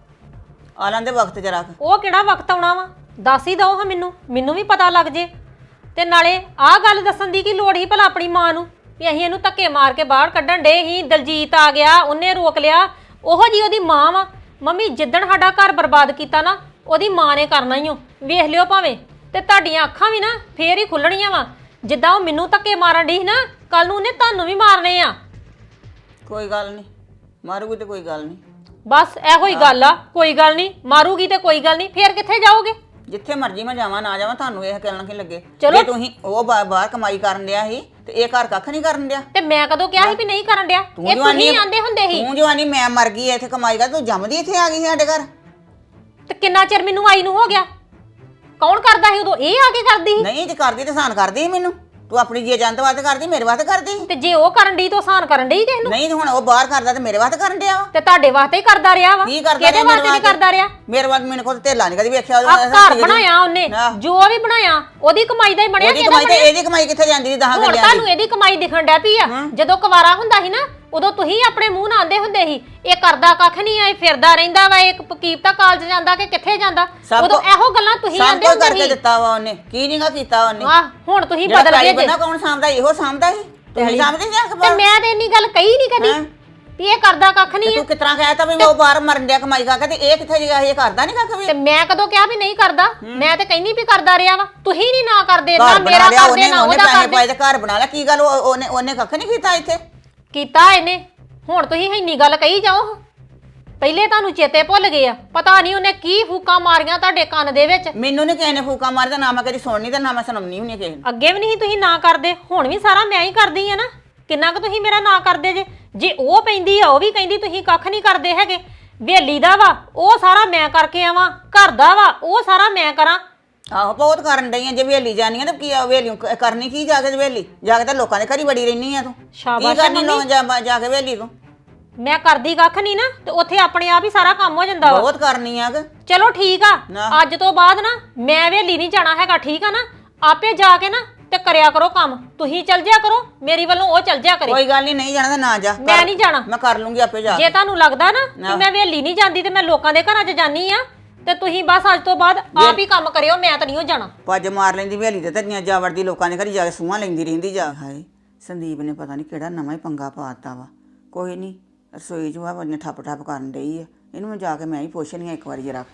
ਆ ਲੈਂਦੇ ਵਕਤ ਜਰਾ।
ਉਹ ਕਿਹੜਾ ਵਕਤ ਆਉਣਾ ਵਾ, ਦੱਸ ਹੀ ਦਓ ਹਾਂ ਮੈਨੂੰ, ਮੈਨੂੰ ਵੀ ਪਤਾ ਲੱਗ ਜੇ। ਤੇ ਨਾਲੇ ਆਹ ਗੱਲ ਦੱਸਣ ਦੀ ਕੀ ਲੋੜ ਸੀ ਭਲਾ ਆਪਣੀ ਮਾਂ ਨੂੰ ਵੀ ਅਸੀਂ ਇਹਨੂੰ ਧੱਕੇ ਮਾਰ ਕੇ ਬਾਹਰ ਕੱਢਣ ਡੇ ਸੀ, ਦਲਜੀਤ ਆ ਗਿਆ ਉਹਨੇ ਰੋਕ ਲਿਆ। ਉਹੋ ਜੀ ਉਹਦੀ ਮਾਂ ਵਾ। ਮੰਮੀ ਜਿੱਦਣ ਸਾਡਾ ਘਰ ਬਰਬਾਦ ਕੀਤਾ ਨਾ, ਉਹਦੀ ਮਾਂ ਨੇ ਕਰਨਾ ਹੀ ਓ। ਵੇਖ ਲਿਓ ਭਾਵੇਂ, ਤੇ ਤੁਹਾਡੀਆਂ ਅੱਖਾਂ ਵੀ ਨਾ ਫੇਰ ਹੀ ਖੁੱਲਣੀਆਂ ਵਾ। ਜਿੱਦਾਂ ਉਹ ਮੈਨੂੰ ਧੱਕੇ ਮਾਰਨ ਡਈ ਸੀ ਨਾ, ਕੱਲ ਨੂੰ ਉਹਨੇ ਤੁਹਾਨੂੰ ਵੀ ਮਾਰਨੇ ਆ।
ਕੋਈ ਗੱਲ ਨਹੀਂ, ਮਾਰੂਗੀ ਤੇ ਕੋਈ ਗੱਲ ਨਹੀਂ।
ਬਸ ਇਹੋ ਹੀ ਗੱਲ ਆ, ਕੋਈ ਗੱਲ ਨਹੀਂ ਮਾਰੂਗੀ ਤੇ ਕੋਈ ਗੱਲ ਨਹੀਂ। ਫੇਰ ਕਿੱਥੇ ਜਾਓਗੇ?
ਜਿੱਥੇ ਮਰਜ਼ੀ ਮੈਂ ਜਾਵਾਂ ਨਾ ਜਾਵਾਂ, ਤੁਹਾਨੂੰ ਇਹ ਕਹਿਣਾ ਕੀ ਲੱਗੇ।
ਚਲੋ।
ਜੇ ਤੁਸੀਂ ਉਹ ਬਾ- ਬਾਹਰ ਕਮਾਈ ਕਰਨ ਡਿਆ ਸੀ ਤੇ ਇਹ ਘਰ ਕੱਖ ਨਹੀਂ ਕਰਨ ਡਿਆ।
ਤੇ ਮੈਂ ਕਦੋਂ ਕਿਹਾ ਸੀ ਵੀ ਨਹੀਂ ਕਰਨ ਡਿਆ? ਇਹ ਤੁਸੀਂ ਆਂਦੇ ਹੁੰਦੇ ਸੀ।
ਤੂੰ ਜਵਾਨੀ ਮੈਂ ਮਰ ਗਈ ਇੱਥੇ ਕਮਾਈ ਕਰ, ਤੂੰ ਜੰਮਦੀ ਇੱਥੇ ਆ ਗਈ ਸੀ ਸਾਡੇ ਘਰ।
ਤੇ ਕਿੰਨਾ ਚਿਰ ਮੈਨੂੰ ਆਈ ਨੂੰ ਹੋ ਗਿਆ? ਕੌਣ ਕਰਦਾ ਸੀ ਉਦੋਂ? ਇਹ ਆ ਕੇ ਕਰਦੀ ਸੀ।
ਨਹੀਂ ਜੇ ਕਰਦੀ ਤੇ ਸਾਨ ਕਰਦੀ ਸੀ ਮੈਨੂੰ। ਤੂੰ ਆਪਣੀ ਜੀ ਜੰਤ ਵਾਸਤੇ ਕਰਦੀ, ਮੇਰੇ ਵਾਸਤੇ ਕਰਦੀ ਸੀ।
ਤੇ ਜੇ ਉਹ ਕਰਨ ਡਈ ਤਾਂ ਆਸਾਨ ਕਰਨ ਡਈ ਕਿਸ ਨੂੰ?
ਨਹੀਂ ਤੇ ਹੁਣ ਉਹ ਬਾਹਰ ਕਰਦਾ ਤੇ ਮੇਰੇ ਵਾਸਤੇ ਕਰਨ ਡਿਆ ਵਾ।
ਤੇ ਤੁਹਾਡੇ ਵਾਸਤੇ ਹੀ ਕਰਦਾ ਰਿਹਾ ਵਾ।
ਕੀ ਕਰਦਾ
ਕਿਹਦੇ
ਰਿਹਾ
ਵਾਸਤੇ
ਮੇਰੇ
ਨਹੀਂ ਕਰਦਾ ਰਿਹਾ?
ਮੇਰੇ ਵਾਸਤੇ ਮੈਨੂੰ ਕੋਈ ਧੇਲਾ ਨਹੀਂ ਕਦੀ ਵੇਖਿਆ।
ਆ ਘਰ ਬਣਾਇਆ ਉਹਨੇ,
ਆਹ।
ਜੋ ਵੀ ਬਣਾਇਆ ਉਹਦੀ ਕਮਾਈ ਦਾ ਹੀ ਬਣਿਆ।
ਉਹਦੀ
ਕਿਹਦਾ
ਕਮਾਈ ਤੇ
ਬਣਿਆ?
ਇਹਦੀ ਕਮਾਈ ਕਿੱਥੇ ਜਾਂਦੀ ਸੀ ਦਸਾਂ
ਹੁਣ
ਗੱਲਿਆਂ ਦੀ?
ਤੁਹਾਨੂੰ ਇਹਦੀ ਕਮਾਈ ਦਿਖਣ ਡੈ ਪਈ ਆ। ਜਦੋਂ ਕੁਵਾਰਾ ਹੁੰਦਾ ਸੀ ਨਾ, ਉਦੋਂ ਤੁਸੀਂ ਆਪਣੇ ਮੂੰਹ ਨਾਲ ਆਂਦੇ ਹੁੰਦੇ ਸੀ ਇਹ ਕਰਦਾ ਕੱਖ ਨਹੀਂ ਆ, ਇਹ ਫਿਰਦਾ ਰਹਿੰਦਾ ਵਾ, ਇੱਕ ਕੀਪਤਾ ਕਾਲਜ ਜਾਂਦਾ ਕਿ ਕਿੱਥੇ ਜਾਂਦਾ।
ਸਭ
ਉਦੋਂ
ਕੁ-
ਇਹੋ ਗੱਲਾਂ ਤੁਸੀਂ
ਸਭ
ਆਂਦੇ
ਕੁਝ
ਹੁੰਦੇ
ਕਰਕੇ
ਸੀ।
ਦਿੱਤਾ ਵਾ ਉਹਨੇ, ਕੀ ਨਹੀਂਗਾ ਕੀਤਾ ਉਹਨੇ।
ਆਹ ਹੁਣ ਤੁਸੀਂ
ਜਿਹੜਾ
ਬਦਲ
ਪੈਲੀ
ਗਏ ਜੇ।
ਬੰਨਾ ਕੌਣ ਸਾਂਭਦਾ? ਇਹੋ ਸਾਂਭਦਾ ਸੀ। ਤੁਸੀਂ ਸਾਂਭਦੇ ਜਾਂ
ਤੇ
ਅਖਬਾਰ?
ਮੈਂ ਤੇ ਇੰਨੀ ਗੱਲ ਕਹੀ ਨਹੀਂ ਕਦੀ
ਹੈਂ?
ਵੀ ਇਹ ਕਰਦਾ ਕੱਖ ਨਹੀਂ ਆ।
ਤੂੰ ਕਿਤਨਾ ਕਹਿਤਾ ਵੀ ਉਹ ਬਾਹਰ ਮਰਨ ਡਿਆ ਕਮਾਈ ਕਰਕੇ, ਤੇ ਇਹ ਕਿੱਥੇ ਗਿਆ? ਇਹ ਕਰਦਾ ਨਹੀਂ ਕੱਖ ਵੀ।
ਤੇ ਮੈਂ ਕਦੋਂ ਕਿਹਾ ਵੀ ਨਹੀਂ ਕਰਦਾ? ਮੈਂ ਤੇ ਕਹਿੰਦੀ ਵੀ ਕਰਦਾ ਰਿਹਾ ਵਾ, ਤੁਸੀਂ ਨਹੀਂ ਨਾ ਕਰਦੇ, ਨਾ
ਘਰ ਬਣਾ
ਮੇਰਾ
ਲਿਆ
ਕਰਦੇ
ਉਹਨੇ,
ਨਾ
ਉਹਨੇ
ਉਹਦਾ
ਪੈਸੇ
ਕਰਦੇ।
ਪਾਏ ਤੇ ਘਰ ਬਣਾ ਲਿਆ। ਕੀ ਗੱਲ ਉਹ- ਉਹਨੇ ਉਹਨੇ ਕੱਖ ਨਹੀਂ ਕੀਤਾ ਇੱਥੇ?
ਕੀਤਾ ਇਹਨੇ। ਹੁਣ ਤੁਸੀਂ ਇੰਨੀ ਗੱਲ ਕਹੀ ਜਾਓ, ਪਹਿਲੇ ਤੁਹਾਨੂੰ ਚੇਤੇ ਭੁੱਲ ਗਏ ਆ। ਪਤਾ ਨਹੀਂ ਉਹਨੇ ਕੀ ਫੂਕਾਂ ਮਾਰੀਆਂ ਤੁਹਾਡੇ ਕੰਨ ਦੇ ਵਿੱਚ।
ਮੈਨੂੰ ਨਹੀਂ ਕਿਸੇ ਨੇ ਫੂਕਾ ਮਾਰਦਾ, ਨਾ ਮੈਂ ਕਦੀ ਸੁਣਨੀ ਤੇ ਨਾ ਮੈਂ ਸੁਣਾਉਣੀ ਹੁੰਦੀ ਕਿਸੇ ਨੂੰ।
ਅੱਗੇ ਵੀ ਨਹੀਂ ਤੁਸੀਂ ਨਾ ਕਰਦੇ, ਹੁਣ ਵੀ ਸਾਰਾ ਮੈਂ ਹੀ ਕਰਦੀ ਆ ਨਾ। ਕਿੰਨਾ ਕੁ ਤੁਸੀਂ ਮੇਰਾ ਨਾ ਕਰਦੇ ਜੇ ਜੇ ਉਹ ਪੈਂਦੀ ਆ ਉਹ ਵੀ ਕਹਿੰਦੀ ਤੁਸੀਂ ਕੱਖ ਨਹੀਂ ਕਰਦੇ ਹੈਗੇ। ਵੇਲੀ ਦਾ ਵਾ ਉਹ ਸਾਰਾ ਮੈਂ ਕਰਕੇ ਆਵਾਂ, ਘਰ ਦਾ ਵਾ ਉਹ ਸਾਰਾ ਮੈਂ ਕਰਾਂ।
ਆਹੋ ਬਹੁਤ ਕਰਨ ਡਈ ਆ। ਜੇ ਵੇਲੀ ਜਾਨੀ ਆ ਤੇ ਕੀ ਆ ਵੇਲੀ ਕਰਨੀ ਕੀ ਜਾ ਕੇ? ਵੇਲੀ ਜਾ ਕੇ ਤਾਂ ਲੋਕਾਂ ਦੇ ਘਰੀ ਬੜੀ ਰਹਿਨੀ ਆ ਤੂੰ। ਕੀ
ਸ਼ਾਬਾਸ਼ ਆ
ਕਰਨੀ ਲੋਕ ਜਾ ਜਾ ਕੇ ਵੇਲੀ ਤੂੰ?
ਮੈਂ ਕਰਦੀ ਕੱਖ ਨਹੀਂ ਨਾ ਤੇ ਉੱਥੇ ਆਪਣੇ ਆਪ ਹੀ ਸਾਰਾ ਕੰਮ ਹੋ ਜਾਂਦਾ ਵਾ।
ਬਹੁਤ ਕਰਨੀ ਆ ਕਿ
ਚਲੋ ਠੀਕ ਆ,
ਨਾ।
ਅੱਜ ਤੋਂ ਬਾਅਦ ਨਾ ਮੈਂ ਵੇਲੀ ਨਹੀਂ ਜਾਣਾ ਹੈਗਾ, ਠੀਕ ਆ ਨਾ? ਆਪੇ ਜਾ ਕੇ ਨਾ ਤੇ ਕਰਿਆ ਕਰੋ ਕੰਮ। ਤੁਸੀਂ ਚੱਲ ਜਿਆ ਕਰੋ, ਮੇਰੀ ਵੱਲੋਂ ਉਹ ਚੱਲ ਜਿਆ ਕਰੇ।
ਕੋਈ ਗੱਲ ਨਹੀਂ, ਨਹੀਂ ਜਾਣਾ ਤਾਂ ਨਾ ਜਾ।
ਮੈਂ ਨਹੀਂ ਜਾਣਾ।
ਮੈਂ ਕਰ ਲੂੰਗੀ ਆਪੇ ਜਾ
ਜੇ
ਕੇ।
ਤੁਹਾਨੂੰ ਲੱਗਦਾ ਨਾ ਕਿ ਮੈਂ ਵੇਲੀ ਨਹੀਂ ਜਾਂਦੀ ਤੇ ਮੈਂ ਲੋਕਾਂ ਦੇ ਘਰਾਂ 'ਚ ਜਾਨੀ ਆ, ਤੇ ਤੁਸੀਂ ਬਸ ਅੱਜ ਤੋਂ ਬਾਅਦ ਆਪ ਹੀ ਕੰਮ ਕਰਿਓ, ਮੈਂ ਤਾਂ ਨਹੀਂ ਹੋ ਜਾਣਾ।
ਪੱਜ ਮਾਰ ਲੈਂਦੀ ਵੇਲੀ ਤੇ ਧਰੀਆਂ ਜਾ ਵੜਦੀ ਲੋਕਾਂ ਦੇ ਘਰੀ ਜਾ ਕੇ ਸੂਹਾਂ ਲੈਂਦੀ ਰਹਿੰਦੀ ਜਾ। ਹਾਏ ਸੰਦੀਪ ਨੇ ਪਤਾ ਨਹੀਂ ਕਿਹੜਾ ਨਵਾਂ ਹੀ ਪੰਗਾ ਪਾਤਾ ਵਾ। ਕੋਈ ਨਹੀਂ, ਰਸੋਈ 'ਚ ਵਾ ਬੰਨੇ ਠੱਪ ਠੱਪ ਕਰਨ ਡਈ ਆ। ਇਹਨੂੰ ਮੈਂ ਜਾ ਕੇ ਮੈਂ ਹੀ ਪੁੱਛਣੀ ਆ ਇੱਕ ਵਾਰੀ ਜਰਾ।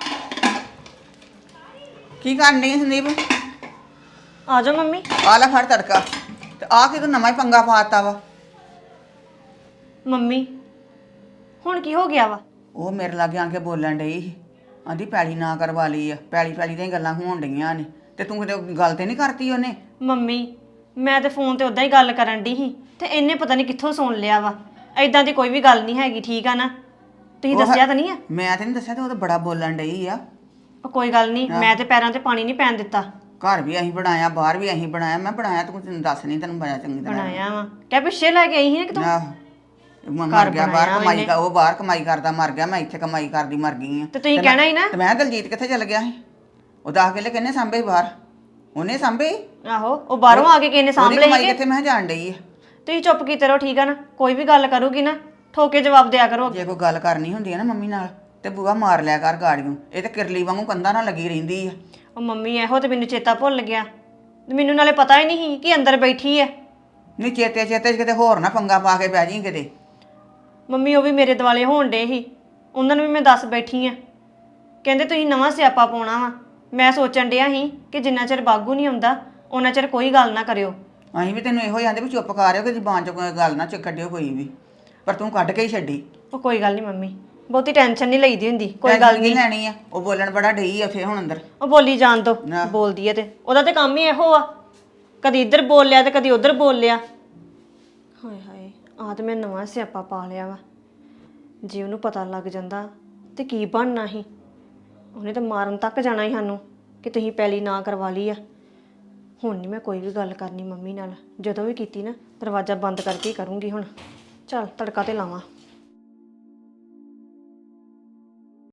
ਕੀ ਕਰਨ ਡਈ ਆ ਸੰਦੀਪ?
ਆ ਜਾਓ ਮੰਮੀ।
ਆ ਲੈ ਫੜ ਤੜਕਾ। ਤੇ ਆ ਕੇ ਤੂੰ ਨਵਾਂ ਹੀ ਪੰਗਾ ਪਾਤਾ ਵਾ।
ਮੰਮੀ ਹੁਣ ਕੀ ਹੋ ਗਿਆ ਵਾ?
ਉਹ ਮੇਰੇ ਲਾਗੇ ਆ ਕੇ ਬੋਲਣ ਡਈ ਸੀ, ਆਂਦੀ ਪੈਲੀ ਨਾ ਕਰਵਾ ਲਈ ਆ। ਪੈਲੀ ਪੈਲੀ ਦੀਆਂ ਗੱਲਾਂ ਹੋਣ ਡਈਆਂ ਨੇ ਤੇ ਤੂੰ ਕਿਤੇ ਗੱਲ ਤੇ ਨਹੀਂ ਕਰਤੀ ਉਹਨੇ?
ਮੰਮੀ ਮੈਂ ਤੇ ਫੋਨ ਤੇ ਉਦਾਂ ਹੀ ਗੱਲ ਕਰਨ ਦੀ ਸੀ ਤੇ ਇਹਨੇ ਪਤਾ ਨਹੀਂ ਕਿੱਥੋਂ ਸੁਣ ਲਿਆ ਵਾ। ਐਦਾਂ ਦੀ ਕੋਈ ਵੀ ਗੱਲ ਨਹੀਂ ਹੈਗੀ, ਠੀਕ ਆ ਨਾ? ਤੁਸੀਂ
ਉਹ-
ਦੱਸਿਆ ਤਾਂ ਨਹੀਂ ਆ?
ਮੈਂ ਤੇ ਨਹੀਂ ਦੱਸਿਆ, ਤੇ ਉਹ ਤਾਂ ਬੜਾ ਬੋਲਣ ਡਈ ਆ।
ਉਹ ਕੋਈ ਗੱਲ ਨਹੀਂ, ਮੈਂ ਤੇ ਪੈਰਾਂ ਤੇ ਪਾਣੀ ਨਹੀਂ ਪੈਣ ਦਿੱਤਾ।
ਘਰ ਵੀ ਅਸੀਂ ਬਣਾਇਆ, ਬਾਹਰ ਵੀ ਅਸੀਂ ਬਣਾਇਆ। ਮੈਂ ਬਣਾਇਆ ਤੂੰ ਤੈਨੂੰ ਦੱਸ ਨਹੀਂ, ਤੈਨੂੰ ਬੜਾ ਚੰਗੀ ਤਰ੍ਹਾਂ
ਬਣਾਇਆ ਵਾ ਕਿਆ ਪਿੱਛੇ ਲੈ ਕੇ ਆਈ ਸੀ ਨਾ ਕਿਤੋਂ।
ਆਹ ਮਰ ਗਿਆ ਬਾਹਰ ਕਮਾਈ ਕਰ, ਉਹ ਬਾਹਰ ਕਮਾਈ ਕਰਦਾ ਮਰ ਗਿਆ, ਮੈਂ ਇੱਥੇ ਕਮਾਈ ਕਰਦੀ ਮਰ ਗਈ ਆ।
ਤੇ ਤੁਸੀਂ ਕਹਿਣਾ ਹੀ ਨਾ।
ਤੇ ਮੈਂ ਦਲਜੀਤ ਕਿੱਥੇ ਚਲ ਗਿਆ ਸੀ? ਉਹ ਦਸ ਕਿੱਲੇ ਕਿੰਨੇ ਸਾਂਭੇ ਬਾਹਰ? ਉਹਨੇ ਸਾਂਭੇ।
ਆਹੋ ਉਹ ਬਾਹਰੋਂ ਆ ਕੇ ਕਿਸੇ ਨੇ ਸਾਂਭ
ਉਹਦੀ
ਲਏ
ਕਮਾਈ
ਸੀਗੇ।
ਕਿੱਥੇ ਮੈਂ ਜਾਣ ਡਈ ਆ।
ਤੁਸੀਂ ਚੁੱਪ ਕੀਤੇ ਰਹੋ, ਠੀਕ ਆ ਨਾ? ਕੋਈ ਵੀ ਗੱਲ ਕਰੂਗੀ ਨਾ ਠੋਕੇ ਜਵਾਬ ਦਿਆ ਕਰੋ।
ਜੇ ਕੋਈ ਗੱਲ ਕਰਨੀ ਹੁੰਦੀ ਹੈ ਨਾ ਮੰਮੀ ਨਾਲ ਤੇ ਬੂਆ ਮਾਰ ਲਿਆ ਕਰ ਗਾੜੀਆਂ। ਇਹ ਤੇ ਕਿਰਲੀ ਵਾਂਗੂ ਕੰਧਾਂ ਨਾਲ ਲੱਗੀ ਰਹਿੰਦੀ ਆ।
ਉਹ ਮੰਮੀ ਇਹੋ ਤੇ ਮੈਨੂੰ ਚੇਤਾ ਭੁੱਲ ਗਿਆ। ਤੇ ਮੈਨੂੰ ਨਾਲੇ ਪਤਾ ਹੀ ਨਹੀਂ ਸੀ ਕਿ ਅੰਦਰ ਬੈਠੀ ਐ।
ਨਹੀਂ ਚੇਤੇ ਚੇਤੇ 'ਚ ਕਿਤੇ ਹੋਰ ਨਾ ਪੰਗਾ ਪਾ ਕੇ ਬਹਿ ਜੀ ਕਿਤੇ।
ਮੰਮੀ ਉਹ ਵੀ ਮੇਰੇ ਦਿਵਾਲੇ ਹੋਣ ਡੇ ਸੀ, ਉਹਨਾਂ ਨੂੰ ਵੀ ਮੈਂ ਦੱਸ ਬੈਠੀ ਆ। ਕਹਿੰਦੇ ਤੁਸੀਂ ਨਵਾਂ ਸਿਆਪਾ ਪਾਉਣਾ ਵਾ। ਮੈਂ ਸੋਚਣ ਡਿਆ ਸੀ ਕਿ ਜਿੰਨਾ ਚਿਰ ਬਾਗੂ ਨਹੀਂ ਆਉਂਦਾ ਉਹਨਾਂ ਚਿਰ ਕੋਈ ਗੱਲ ਨਾ ਕਰਿਓ।
ਅਸੀਂ ਵੀ ਤੈਨੂੰ ਇਹੋ ਹੀ ਆਂਦੇ ਵੀ ਚੁੱਪ ਕਰ ਰਿਓ ਕਿ ਜ਼ਬਾਨ 'ਚ ਕੋਈ ਗੱਲ ਨਾ ਚ ਕੱਢਿਓ ਕੋਈ ਵੀ, ਪਰ ਤੂੰ ਕੱਢ ਕੇ ਹੀ ਛੱਡੀ।
ਉਹ ਕੋਈ ਗੱਲ ਨਹੀਂ ਮੰਮੀ, ਬਹੁਤੀ ਟੈਨਸ਼ਨ ਨਹੀਂ ਲਈਦੀ ਹੁੰਦੀ। ਕੋਈ
ਟੈਨਸ਼ਨ
ਗੱਲ
ਕੀ
ਨਹੀਂ,
ਲੈਣੀ ਆ? ਉਹ ਬੋਲਣ ਬੜਾ ਡਈ ਆ ਉੱਥੇ ਹੁਣ ਅੰਦਰ।
ਉਹ ਬੋਲੀ ਜਾਣ ਦੋ।
ਨਾ।
ਬੋਲਦੀ ਐ ਤੇ ਉਹਦਾ ਤੇ ਕੰਮ ਹੀ ਇਹੋ ਆ, ਕਦੀ ਇੱਧਰ ਬੋਲ ਲਿਆ ਤੇ ਕਦੀ ਉੱਧਰ ਬੋਲ ਲਿਆ। ਹਾਏ ਹਾਏ ਆਹ ਤੇ ਮੈਂ ਨਵਾਂ ਸਿਆਪਾ ਪਾ ਲਿਆ ਵਾ। ਜੇ ਉਹਨੂੰ ਪਤਾ ਲੱਗ ਜਾਂਦਾ ਤੇ ਕੀ ਬਣਨਾ ਸੀ? ਉਹਨੇ ਤਾਂ ਮਾਰਨ ਤੱਕ ਜਾਣਾ ਸੀ ਸਾਨੂੰ ਕਿ ਤੁਸੀਂ ਪੈਲੀ ਨਾ ਕਰਵਾ ਲਈ ਆ। ਹੁਣ ਨਹੀਂ ਮੈਂ ਕੋਈ ਵੀ ਗੱਲ ਕਰਨੀ ਮੰਮੀ ਨਾਲ। ਜਦੋਂ ਵੀ ਕੀਤੀ ਨਾ ਦਰਵਾਜ਼ਾ ਬੰਦ ਕਰਕੇ ਹੀ ਕਰੂੰਗੀ ਹੁਣ। ਚੱਲ ਤੜਕਾ ਤੇ ਲਾਵਾਂ।